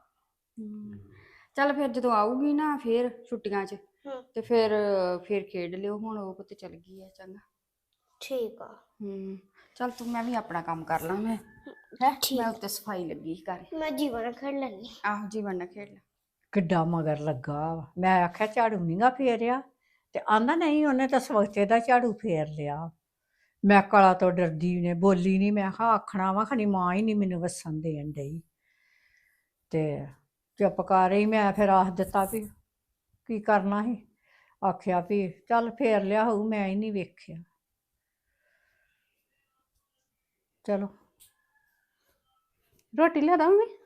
Speaker 6: ਚੱਲ ਫਿਰ ਜਦੋਂ ਆਊਗੀ ਨਾ ਫਿਰ ਛੁੱਟੀਆਂ 'ਚ
Speaker 1: ਹੂੰ
Speaker 6: ਤੇ ਫਿਰ ਖੇਡ ਲਿਓ। ਹੁਣ ਉਹ ਪੁੱਤ ਚਲ ਗਈ ਆ। ਚੰਗਾ
Speaker 1: ਠੀਕ ਆ।
Speaker 6: ਚੱਲ ਤੂੰ ਮੈਂ ਵੀ ਆਪਣਾ ਕੰਮ ਕਰ ਲਾਂ। ਮੈਂ ਮੈਂ ਉੱਤੇ ਸਫਾਈ ਲੱਗੀ ਸੀ ਕਰ।
Speaker 1: ਮੈਂ ਜੀਵਨ ਨਾਲ ਖੇਡ ਲੈਣੀ।
Speaker 6: ਆਹੋ ਜੀਵਨ ਨਾਲ ਖੇਡ ਲੈ।
Speaker 3: ਕਿੱਡਾ ਮਗਰ ਲੱਗਾ ਵਾ। ਮੈਂ ਆਖਿਆ ਝਾੜੂ ਨੀਗਾ ਫੇਰਿਆ ਤੇ ਆਂਦਾ ਨਹੀਂ ਉਹਨੇ ਤਾਂ ਸਵਖਤੇ ਦਾ ਝਾੜੂ ਫੇਰ ਲਿਆ। ਮੈਂ ਕਲਾ ਤੋਂ ਡਰਦੀ ਨੇ ਬੋਲੀ ਨਹੀਂ। ਮੈਂ ਕਿਹਾ ਆਖਣਾ ਵਾ ਖਣੀ ਮਾਂ ਹੀ ਨਹੀਂ ਮੈਨੂੰ ਵਸਣ ਦੇਣ ਡਈ ਤੇ ਚੁੱਪ ਕਰ ਰਹੀ। ਮੈਂ ਫਿਰ ਆਖ ਦਿੱਤਾ ਵੀ ਕੀ ਕਰਨਾ ਸੀ। ਆਖਿਆ ਵੀ ਚੱਲ ਫੇਰ ਲਿਆ ਹੋਊ, ਮੈਂ ਹੀ ਨਹੀਂ ਵੇਖਿਆ। ਚਲੋ
Speaker 2: ਰੋਟੀ ਲਿਆ ਦਾਂ ਮੰਮੀ?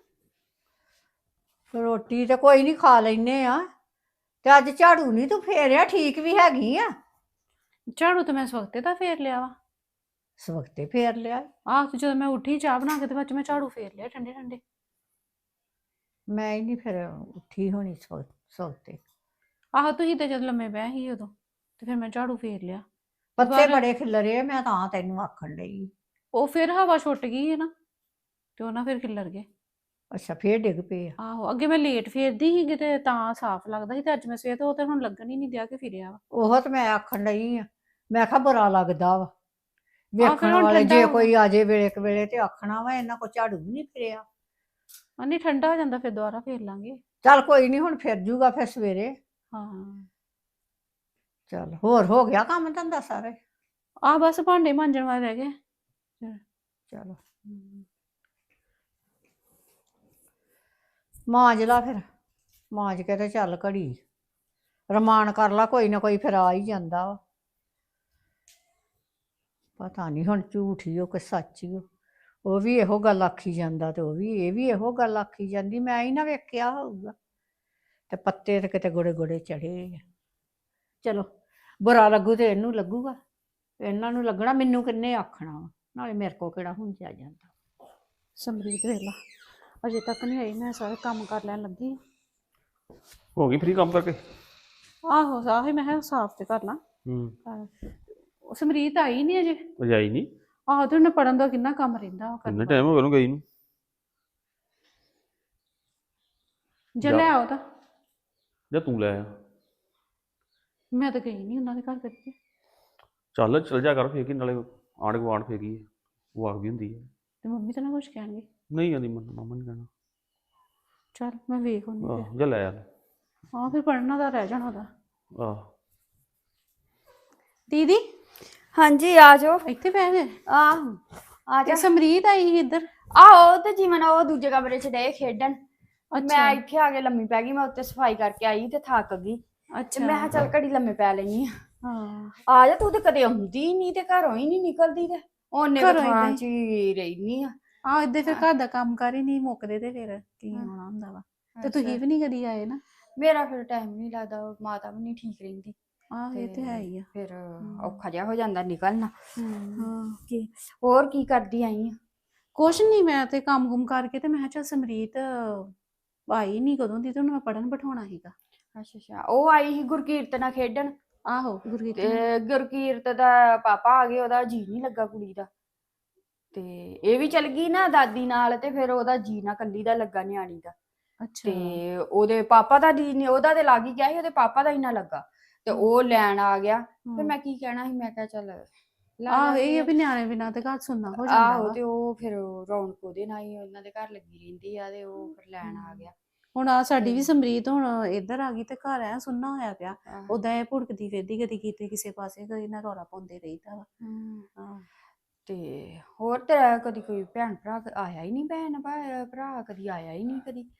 Speaker 3: ਰੋਟੀ ਤੇ ਕੋਈ ਨਹੀਂ ਖਾ ਲੈਨੇ ਆ ਤੇ ਅੱਜ ਝਾੜੂ ਨਹੀਂ ਤੂੰ ਫੇਰਿਆ, ਠੀਕ ਵੀ ਹੈਗੀ ਆ।
Speaker 2: ਝਾੜੂ ਤਾਂ ਮੈਂ ਸਵਖਤੇ ਦਾ ਫੇਰ ਲਿਆ ਵਾ।
Speaker 3: ਸਵਖਤੇ ਫੇਰ ਲਿਆ।
Speaker 2: ਆਹ ਤੇ ਜਦੋਂ ਮੈਂ ਉੱਠੀ ਚਾਹ ਬਣਾ ਕੇ ਤੇ ਬਾਅਦ ਚ ਮੈਂ ਝਾੜੂ ਫੇਰ ਲਿਆ ਠੰਡੇ ਠੰਡੇ।
Speaker 3: ਮੈਂ ਹੀ ਨਹੀਂ ਫਿਰ ਉੱਠੀ ਹੋਣੀ ਸਵਖਤੇ।
Speaker 2: ਆਹੋ ਤੁਸੀਂ ਤੇ ਜਦ ਲੰਮੇ ਪਏ ਸੀ ਉਦੋਂ ਤੇ ਫਿਰ ਮੈਂ ਝਾੜੂ ਫੇਰ ਲਿਆ।
Speaker 3: ਪੱਤੇ
Speaker 2: ਦੁਬਾਰਾ-
Speaker 3: ਬੜੇ ਖਿਲਰੇ ਆ, ਮੈਂ ਤਾਂ ਤੈਨੂੰ ਆਖਣ ਲਈ।
Speaker 2: ਉਹ ਫਿਰ ਹਵਾ ਛੁੱਟ ਗਈ ਹੈ ਨਾ ਤੇ ਉਹ ਨਾ ਫਿਰ ਖਿੱਲਰ ਗਏ।
Speaker 3: ਅੱਛਾ ਫੇਰ ਡਿੱਗ ਪਏ ਆ।
Speaker 2: ਆਹੋ ਅੱਗੇ ਮੈਂ ਲੇਟ ਫੇਰਦੀ ਸੀਗੀ ਤੇ ਤਾਂ ਸਾਫ਼ ਲੱਗਦਾ ਸੀ ਤੇ ਅੱਜ ਮੈਂ ਸਵੇਰ ਤੋਂ ਉਹ ਤੇ ਹੁਣ ਲੱਗਣ ਹੀ ਨਹੀਂ ਦਿਆ ਕਿ ਫਿਰਿਆ ਵਾ।
Speaker 3: ਉਹ ਤੇ ਮੈਂ ਆਖਣ ਲਈ ਆ। ਮੈਂ ਕਿਹਾ ਬੁਰਾ ਲੱਗਦਾ ਵਾ
Speaker 2: ਫਿਰ
Speaker 3: ਵੇਖਣ
Speaker 2: ਹੁਣ
Speaker 3: ਵਾਲੇ।
Speaker 2: ਠੰਡਾ
Speaker 3: ਜੇ
Speaker 2: ਹੋ
Speaker 3: ਕੋਈ ਆ ਜੇ ਵੇਲੇ ਕੁ ਵੇਲੇ ਤੇ ਆਖਣਾ ਵਾ ਇਹਨਾਂ ਕੋ ਝਾੜੂ ਵੀ ਨਹੀਂ ਫਿਰਿਆ।
Speaker 2: ਨਹੀਂ ਠੰਡਾ ਹੋ ਜਾਂਦਾ ਫਿਰ ਦੁਬਾਰਾ ਫੇਰ ਲਾਂਗੇ।
Speaker 3: ਚੱਲ ਕੋਈ ਨਹੀਂ ਹੁਣ ਫਿਰ ਜੂਗਾ ਫਿਰ ਸਵੇਰੇ।
Speaker 2: ਹਾਂ
Speaker 3: ਚੱਲ ਹੋਰ ਹੋ ਗਿਆ ਕੰਮ ਧੰਦਾ ਸਾਰੇ?
Speaker 2: ਆਹ ਬਸ ਭਾਂਡੇ ਮਾਂਜਣ ਵਾਲੇ ਰਹਿ ਗਏ।
Speaker 3: ਚਲੋ ਮਾਂਜ ਲਾ ਫਿਰ। ਮਾਂਜ ਕੇ ਤੇ ਚੱਲ ਘੜੀ ਰਮਾਨ ਕਰ ਲਾ। ਕੋਈ ਨਾ ਕੋਈ ਫਿਰ ਆ ਹੀ ਜਾਂਦਾ ਵਾ। ਪਤਾ ਨਹੀਂ ਹੁਣ ਝੂਠ ਹੀ ਉਹ ਕਿ ਸੱਚ ਹੀ ਉਹ ਵੀ ਇਹੋ ਗੱਲ ਆਖੀ ਜਾਂਦਾ ਤੇ ਇਹ ਵੀ ਇਹੋ ਗੱਲ ਆਖੀ ਜਾਂਦੀ। ਮੈਂ ਹੀ ਨਾ ਵੇਖਿਆ ਹੋਊਗਾ ਤੇ ਪੱਤੇ ਤੇ ਕਿਤੇ ਗੋੜੇ ਗੋੜੇ ਚੜੇ ਆ। ਚਲੋ ਬੁਰਾ ਲੱਗੂ ਤੇ ਇਹਨੂੰ ਲੱਗੂਗਾ, ਇਹਨਾਂ ਨੂੰ ਲੱਗਣਾ, ਮੈਨੂੰ ਕਿੰਨੇ ਆਖਣਾ ਵਾ। ਨਾਲੇ ਮੇਰੇ ਕੋ ਕਿਹੜਾ ਹੁੰਜਿਆ ਜਾਂਦਾ।
Speaker 2: ਸਮਰੀਤ ਵੇਖ ਲਾ ਅਜੇ ਤੱਕ ਨਹੀਂ ਆਈ। ਮੈਂ ਸਾਰੇ ਕੰਮ ਕਰ ਲੈਣ ਲੱਗੀ।
Speaker 5: ਹੋ ਗਈ ਫ੍ਰੀ ਕੰਮ ਕਰਕੇ?
Speaker 2: ਆਹੋ ਆਹੀ ਮੈਂ ਕਿਹਾ ਸਾਫ਼ ਤੇ ਕਰ ਲਾਂ। ਉਹ ਸਮਰੀਤ ਆਈ ਨਹੀਂ ਅਜੇ।
Speaker 5: ਉਹ ਆਈ ਨਹੀਂ?
Speaker 2: ਆਹੋ ਤੇ ਉਹਨੇ ਪੜਨ ਦਾ ਕਿੰਨਾ ਕੰਮ ਰਹਿੰਦਾ।
Speaker 5: ਕਿੰਨਾ ਟਾਈਮ ਹੋ ਗਿਆ ਉਹਨੂੰ ਗਈ ਨੂੰ?
Speaker 2: ਜੇ ਲੈ ਆਓ ਤਾਂ।
Speaker 5: ਜਾਂ ਤੂੰ ਲੈ ਆ।
Speaker 2: ਮੈਂ ਤਾਂ ਗਈ ਨਹੀਂ ਉਹਨਾਂ ਦੇ ਘਰ ਕਦੇ।
Speaker 5: ਚੱਲ ਜਾ ਕਰ ਫੇਰ ਕੀ ਨਾਲੇ ਆਂਢ ਗੁਆਂਢ ਫੇਰ ਕੀ ਵਾਕ ਵੀ ਹੁੰਦੀ ਹੈ।
Speaker 2: ਤੇ ਮੰਮੀ ਤਾਂ ਨਾ ਕੁਛ ਕਹਿਣਗੇ।
Speaker 5: ਨਹੀਂ ਆਂਦੀ ਮਾਮਾ ਨਹੀਂ ਕਹਿਣਾ।
Speaker 2: ਚੱਲ ਮੈਂ ਵੇਖ ਆਉਂਦੀ ਫਿਰ।
Speaker 5: ਆਹ ਜਾ ਲੈ ਆ।
Speaker 2: ਹਾਂ ਫਿਰ ਪੜ੍ਹਨਾ ਦਾ ਰਹਿ ਜਾਣਾ ਉਹਦਾ।
Speaker 5: ਆਹ
Speaker 2: ਦੀਦੀ
Speaker 6: ਹਾਂਜੀ ਆ ਜਾਓ।
Speaker 2: ਇੱਥੇ ਬਹਿ ਗਏ?
Speaker 6: ਆਹੋ ਆ
Speaker 2: ਤੇ
Speaker 6: ਜਾ।
Speaker 2: ਸਮਰੀਤ ਆਈ ਸੀ ਇੱਧਰ।
Speaker 6: ਆਹੋ ਤੇ ਜੀਵਨ ਉਹ ਦੂਜੇ ਕਮਰੇ 'ਚ ਡੇ ਖੇਡਣ।
Speaker 2: ਅੱਛਾ।
Speaker 6: ਮੈਂ ਇੱਥੇ ਆ ਕੇ ਲੰਮੀ ਪੈ ਗਈ। ਮੈਂ ਉੱਤੇ ਸਫਾਈ ਕਰਕੇ ਆਈ ਤੇ ਥੱਕ ਗਈ ਤੇ
Speaker 2: ਅੱਛਾ।
Speaker 6: ਮੈਂ ਕਿਹਾ ਚੱਲ ਘੜੀ ਲੰਮੇ ਪੈ ਲੈਣੀ ਆ।
Speaker 2: ਹਾਂ
Speaker 6: ਆ ਜਾ ਤੂੰ ਤੇ ਕਦੇ ਆਉਂਦੀ ਨਹੀਂ ਤੇ ਘਰੋਂ ਹੀ ਨਹੀਂ ਨਿਕਲਦੀ ਤੇ ਉਹਨੇ
Speaker 2: ਘਰੋਂ ਏਦਾਂ
Speaker 6: ਥਾਂ
Speaker 2: ਹੀ।
Speaker 6: 'ਚ ਹੀ ਰਹਿਨੀ ਆ।
Speaker 2: ਆਹ ਇੱਦਾਂ ਫਿਰ ਘਰ ਦਾ ਕੰਮ ਕਰ ਹੀ ਨਹੀਂ ਮੁੱਕਦੇ ਤੇ ਫਿਰ ਕੀ ਆਉਣਾ ਹੁੰਦਾ ਵਾ। ਤੇ ਤੁਸੀਂ ਵੀ ਨਹੀਂ ਕਦੀ ਆਏ ਨਾ।
Speaker 6: ਮੇਰਾ ਫਿਰ ਟਾਈਮ ਨਹੀਂ ਲੱਗਦਾ ਮਾਤਾ ਵੀ ਨਹੀਂ ਠੀਕ ਰਹਿੰਦੀ
Speaker 2: ਆਹ ਇਹ ਤੇ ਹੈ ਹੀ ਆ।
Speaker 6: ਫਿਰ ਔਖਾ ਜਿਹਾ ਹੋ ਜਾਂਦਾ ਨਿਕਲਣਾ।
Speaker 2: ਹਮ।
Speaker 6: ਹਾਂ ਕੀ ਹੋਰ ਕੀ ਕਰਦੀ ਆਈ ਆ?
Speaker 2: ਕੁਛ ਨਹੀਂ ਮੈਂ ਤੇ ਕੰਮ ਕੁਮ ਕਰਕੇ ਤੇ ਮੈਂ ਕਿਹਾ ਚੱਲ ਸਮਰੀਤ ਆਈ ਨਹੀਂ ਕਦੋਂ ਦੀ ਤੇ ਉਹਨੂੰ ਮੈਂ ਪੜਨ ਬਿਠਾਉਣਾ ਸੀਗਾ।
Speaker 6: ਅੱਛਾ ਅੱਛਾ ਉਹ ਆਈ ਸੀ ਗੁਰਕੀਰਤ ਨਾਲ ਖੇਡਣ
Speaker 2: ਆਹੋ ਗੁਰਗੀਤ
Speaker 6: ਤੇ ਗੁਰਕੀਰਤ ਦਾ ਪਾਪਾ ਆ ਗਏ ਉਹਦਾ ਜੀ ਨਹੀਂ ਲੱਗਾ ਕੁੜੀ ਦਾ ਤੇ ਇਹ ਵੀ ਚਲ ਗਈ ਨਾ ਦਾਦੀ ਨਾਲ ਤੇ ਫਿਰ ਉਹਦਾ ਜੀ ਨਾ ਕੱਲੀ ਦਾ ਲੱਗਾ ਨਿਆਣੀ ਦਾ
Speaker 2: ਅੱਛਾ।
Speaker 6: ਤੇ ਉਹਦੇ ਪਾਪਾ ਦਾ ਜੀ ਨਹੀਂ ਉਹਦਾ ਤੇ ਲੱਗ ਹੀ ਗਿਆ ਸੀ ਉਹਦੇ ਪਾਪਾ ਦਾ ਹੀ ਨਾ ਲੱਗਾ ਤੇ ਉਹ ਲੈਣ ਆ ਗਿਆ ਫਿਰ ਮੈਂ ਕੀ ਕਹਿਣਾ ਸੀ ਮੈਂ ਕਿਹਾ ਚੱਲ
Speaker 2: ਆਹੋ ਇਹ ਆ ਵੀ ਨਿਆਣੇ ਬਿਨਾਂ ਤੇ ਘਰ ਸੁਣਨਾ ਹੋ ਜਾਂਦਾ
Speaker 6: ਆਹੋ
Speaker 2: ਵਾ।
Speaker 6: ਤੇ ਉਹ ਫਿਰ ਰੌਣਕ ਉਹਦੇ ਨਾਲ ਹੀ ਉਹਨਾਂ ਦੇ ਘਰ ਲੱਗੀ ਰਹਿੰਦੀ ਆ ਤੇ ਉਹ ਫਿਰ ਲੈਣ ਆ ਗਿਆ।
Speaker 2: ਹੁਣ ਆ ਸਾਡੀ ਵੀ ਸਮਰੀਤ ਹੁਣ ਇੱਧਰ ਆ ਗਈ ਤੇ ਘਰ ਐ ਸੁਣਨਾ ਹੋਇਆ ਪਿਆ।
Speaker 6: ਆਹੋ।
Speaker 2: ਉਦਾਂ ਇਹ ਭੁੜਕਦੀ ਫਿਰਦੀ ਕਦੀ ਕਿਤੇ ਕਿਸੇ ਪਾਸੇ ਕਦੀ ਨਾ ਰੌਲਾ ਪਾਉਂਦੇ ਰਹੀਦਾ ਵਾ। ਹਾਂ।
Speaker 6: ਤੇ ਹੋਰ ਤੇਰਾ ਕਦੀ ਕੋਈ ਭੈਣ ਭਰਾ ਆਇਆ ਹੀ ਨਹੀਂ ਭਰਾ ਕਦੀ ਆਇਆ ਹੀ ਨਹੀਂ ਕਦੀ।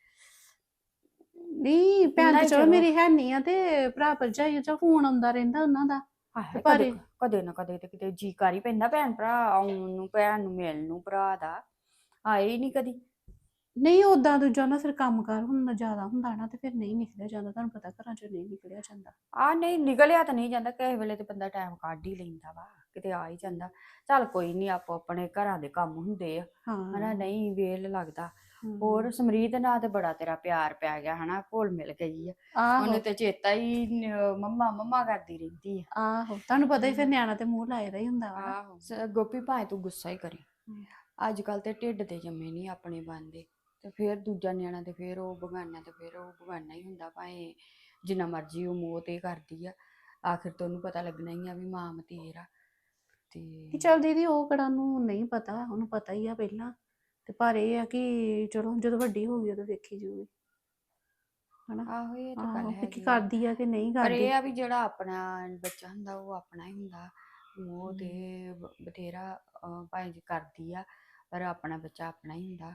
Speaker 2: ਨਹੀਂ ਭੈਣ
Speaker 6: ਨਹੀਂ
Speaker 2: ਤੇ ਚਲੋ
Speaker 6: ਚਲੋ।
Speaker 2: ਮੇਰੀ ਹੈ ਨਹੀਂ ਆ ਤੇ ਭਰਾ ਭਰਜਾਈ ਚ ਫੋਨ ਆਉਂਦਾ ਰਹਿੰਦਾ ਉਹਨਾਂ ਦਾ।
Speaker 6: ਆਹੇ
Speaker 2: ਪਰ
Speaker 6: ਕਦੇ ਨਾ ਕਦੇ ਤੇ ਕਿਤੇ ਜੀ ਕਰ ਹੀ ਪੈਂਦਾ ਭੈਣ ਭਰਾ ਆਉਣ ਨੂੰ ਭੈਣ ਨੂੰ ਮਿਲਣ ਨੂੰ ਭਰਾ ਦਾ ਆਏ ਹੀ ਨਹੀਂ ਕਦੀ।
Speaker 2: ਨਹੀਂ ਓਦਾਂ ਦੂਜਾ ਨਾ ਫਿਰ ਕੰਮ ਕਾਰ ਹੁਣ ਜ਼ਿਆਦਾ ਹੁੰਦਾ ਨਾ ਤੇ ਫਿਰ ਨਹੀਂ ਨਿਕਲਿਆ ਜਾਂਦਾ ਤੁਹਾਨੂੰ ਪਤਾ ਘਰਾਂ ਚੋਂ ਨਹੀਂ ਨਿਕਲਿਆ ਜਾਂਦਾ।
Speaker 6: ਆ ਨਹੀਂ ਨਿਕਲਿਆ ਤਾਂ ਨਹੀਂ ਜਾਂਦਾ ਕਿਸੇ ਵੇਲੇ ਤੇ ਬੰਦਾ ਟਾਈਮ ਕੱਢ ਹੀ ਲੈਂਦਾ ਵਾ ਕਿਤੇ ਆ ਹੀ ਜਾਂਦਾ। ਚੱਲ ਕੋਈ ਨਹੀਂ ਆਪੋ ਆਪਣੇ ਘਰਾਂ ਦੇ ਕੰਮ ਹੁੰਦੇ ਆ ਹਨਾ
Speaker 2: ਹਾਂ।
Speaker 6: ਨਹੀਂ ਵੇਲ ਲੱਗਦਾ।
Speaker 2: ਹਮ।
Speaker 6: ਹੋਰ ਸਮਰੀਤ ਨਾਲ ਤੇ ਬੜਾ ਤੇਰਾ ਪਿਆਰ ਪੈ ਗਿਆ ਹਨਾ ਘੁਲ ਮਿਲ ਗਈ ਆ
Speaker 2: ਆਹੋ
Speaker 6: ਉਹਨੂੰ ਤੇ ਚੇਤਾ ਹੀ ਮੰਮਾ ਮੰਮਾ ਕਰਦੀ ਰਹਿੰਦੀ ਆ।
Speaker 2: ਆਹੋ ਤੁਹਾਨੂੰ ਪਤਾ ਹੀ ਫਿਰ ਨਿਆਣਾ ਤੇ ਮੂੰਹ ਲਾਇਆ ਹੀ ਹੁੰਦਾ ਵਾ ਨਾ।
Speaker 6: ਆਹੋ ਗੋਪੀ ਭਾਵੇਂ ਤੂੰ ਗੁੱਸਾ ਹੀ ਕਰੀ ਅੱਜ ਕੱਲ ਤੇ ਢਿੱਡ ਤੇ ਜੰਮੇ ਨਹੀਂ ਆਪਣੇ ਬਣਦੇ ਤੇ ਫਿਰ ਦੂਜਾ ਨਿਆਣਾ ਤੇ ਫਿਰ ਉਹ ਬਗਾਨਾ ਤੇ ਫਿਰ ਉਹ ਬਗਾਨਾ ਹੀ ਹੁੰਦਾ ਭਾਵੇਂ ਜਿੰਨਾ ਮਰਜ਼ੀ ਉਹ ਮੋਹ ਤੇ ਕਰਦੀ ਆ ਆਖਿਰ ਤੋਂ ਉਹਨੂੰ ਪਤਾ ਲੱਗਣਾ ਹੀ ਆ ਵੀ ਮਾਂ ਮਤੇਰ ਆ ਤੇ
Speaker 2: ਚੱਲ ਦੀਦੀ ਉਹ ਕਿਹੜਾ ਨੂੰ ਨਹੀਂ ਪਤਾ ਉਹਨੂੰ ਪਤਾ ਹੀ ਆ ਪਹਿਲਾਂ ਤੇ ਪਰ ਇਹ ਆ ਕਿ ਚਲੋ ਜਦੋਂ ਵੱਡੀ ਹੋ ਗਈ ਉਦੋਂ ਵੇਖੀ ਜੂਗੀ ਹਨਾ।
Speaker 6: ਆਹੋ ਇਹ ਤਾਂ ਗੱਲ
Speaker 2: ਆਹੋ ਵੀ ਕੀ
Speaker 6: ਹੈਗੀ ਆ।
Speaker 2: ਕਰਦੀ ਆ ਕਿ ਨਹੀਂ
Speaker 6: ਪਰ
Speaker 2: ਕਰਦੀ।
Speaker 6: ਇਹ ਆ ਵੀ ਜਿਹੜਾ ਆਪਣਾ ਬੱਚਾ ਹੁੰਦਾ ਉਹ ਆਪਣਾ ਹੀ ਹੁੰਦਾ ਮੋਹ ਤੇ ਬਥੇਰਾ ਭਾਵੇਂ ਜੀ ਕਰਦੀ ਆ ਪਰ ਆਪਣਾ ਬੱਚਾ ਆਪਣਾ ਹੀ ਹੁੰਦਾ।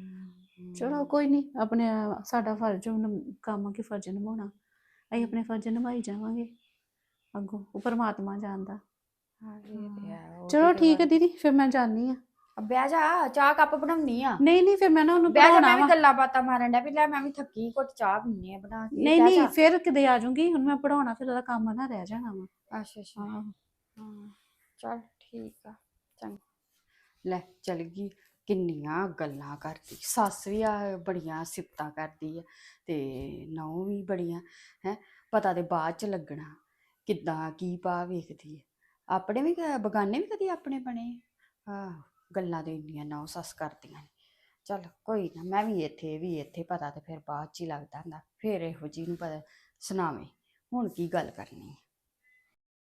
Speaker 2: ਚਲੋ ਕੋਈ ਨਹੀਂ ਆਪਣੇ ਸਾਡਾ ਫਰਜ਼ ਕੰਮ ਕੀ ਫਰਜ਼ ਨਿਭਾਉਣਾ ਅਸੀਂ ਆਪਣੇ ਫਰਜ਼ ਨਿਭਾਈ ਜਾਵਾਂਗੇ ਅੱਗੋਂ ਉਹ ਪਰਮਾਤਮਾ ਜਾਣਦਾ।
Speaker 6: ਹਾਂ ਇਹ ਤੇ ਹੈ ਉਹ
Speaker 2: ਚਲੋ
Speaker 6: ਤੇ
Speaker 2: ਠੀਕ ਹੈ ਦੀਦੀ ਫਿਰ ਮੈਂ ਜਾਣੀ ਆ।
Speaker 6: ਬਹਿ ਜਾ ਚਾਹ ਕੱਪ ਬਣਾਉਣੀ ਆ।
Speaker 2: ਨਹੀਂ ਫਿਰ ਮੈਂ ਨਾ ਉਹਨੂੰ
Speaker 6: ਬਹਿ ਜਾ
Speaker 2: ਪੜਾਉਣਾ
Speaker 6: ਮੈਂ ਵੀ
Speaker 2: ਵਾ।
Speaker 6: ਗੱਲਾਂ ਬਾਤਾਂ ਮਾਰਨ ਡਿਆ ਵੀ ਲੈ ਮੈਂ ਵੀ ਥੱਕੀ ਘੁੱਟ ਚਾਹ ਪੀਣੀ ਆ ਬਣਾ ਕੇ
Speaker 2: ਨਹੀਂ
Speaker 6: ਬਹਿ ਜਾ।
Speaker 2: ਫਿਰ ਕਿਤੇ ਆ ਜਾਊਂਗੀ ਹੁਣ ਮੈਂ ਪੜਾਉਣਾ ਫਿਰ ਉਹਦਾ ਕੰਮ ਨਾ ਰਹਿ ਜਾਣਾ ਵਾ।
Speaker 6: ਅੱਛਾ ਅੱਛਾ
Speaker 2: ਆਹੋ।
Speaker 6: ਹਾਂ ਚੱਲ ਠੀਕ ਆ ਚੰਗਾ ਲੈ ਚਲ ਗਈ ਕਿੰਨੀਆਂ ਗੱਲਾਂ ਕਰਦੀ ਸੱਸ ਵੀ ਆ ਬੜੀਆਂ ਸਿਫਤਾਂ ਕਰਦੀ ਆ ਤੇ ਨਹੁੰ ਵੀ ਬੜੀਆਂ ਹੈ ਪਤਾ ਤੇ ਬਾਅਦ ਚ ਲੱਗਣਾ ਕਿੱਦਾਂ ਕੀ ਪਾ ਵੇਖਦੀ ਹੈ ਆਪਣੇ ਵੀ ਬਗਾਨੇ ਵੀ ਕਦੀ ਆਪਣੇ ਬਣੇ ਆ ਗੱਲਾਂ ਤੇ ਇੰਨੀਆਂ ਨਹੁੰ ਸੱਸ ਕਰਦੀਆਂ ਨੇ। ਚੱਲ ਕੋਈ ਨਾ ਮੈਂ ਵੀ ਇੱਥੇ ਪਤਾ ਤੇ ਫਿਰ ਬਾਅਦ ਚ ਹੀ ਲੱਗਦਾ ਹੁੰਦਾ ਫਿਰ ਇਹੋ ਜਿਹੀ ਨੂੰ ਪਤਾ ਸੁਣਾਵੇਂ ਹੁਣ ਕੀ ਗੱਲ ਕਰਨੀ ਹੈ।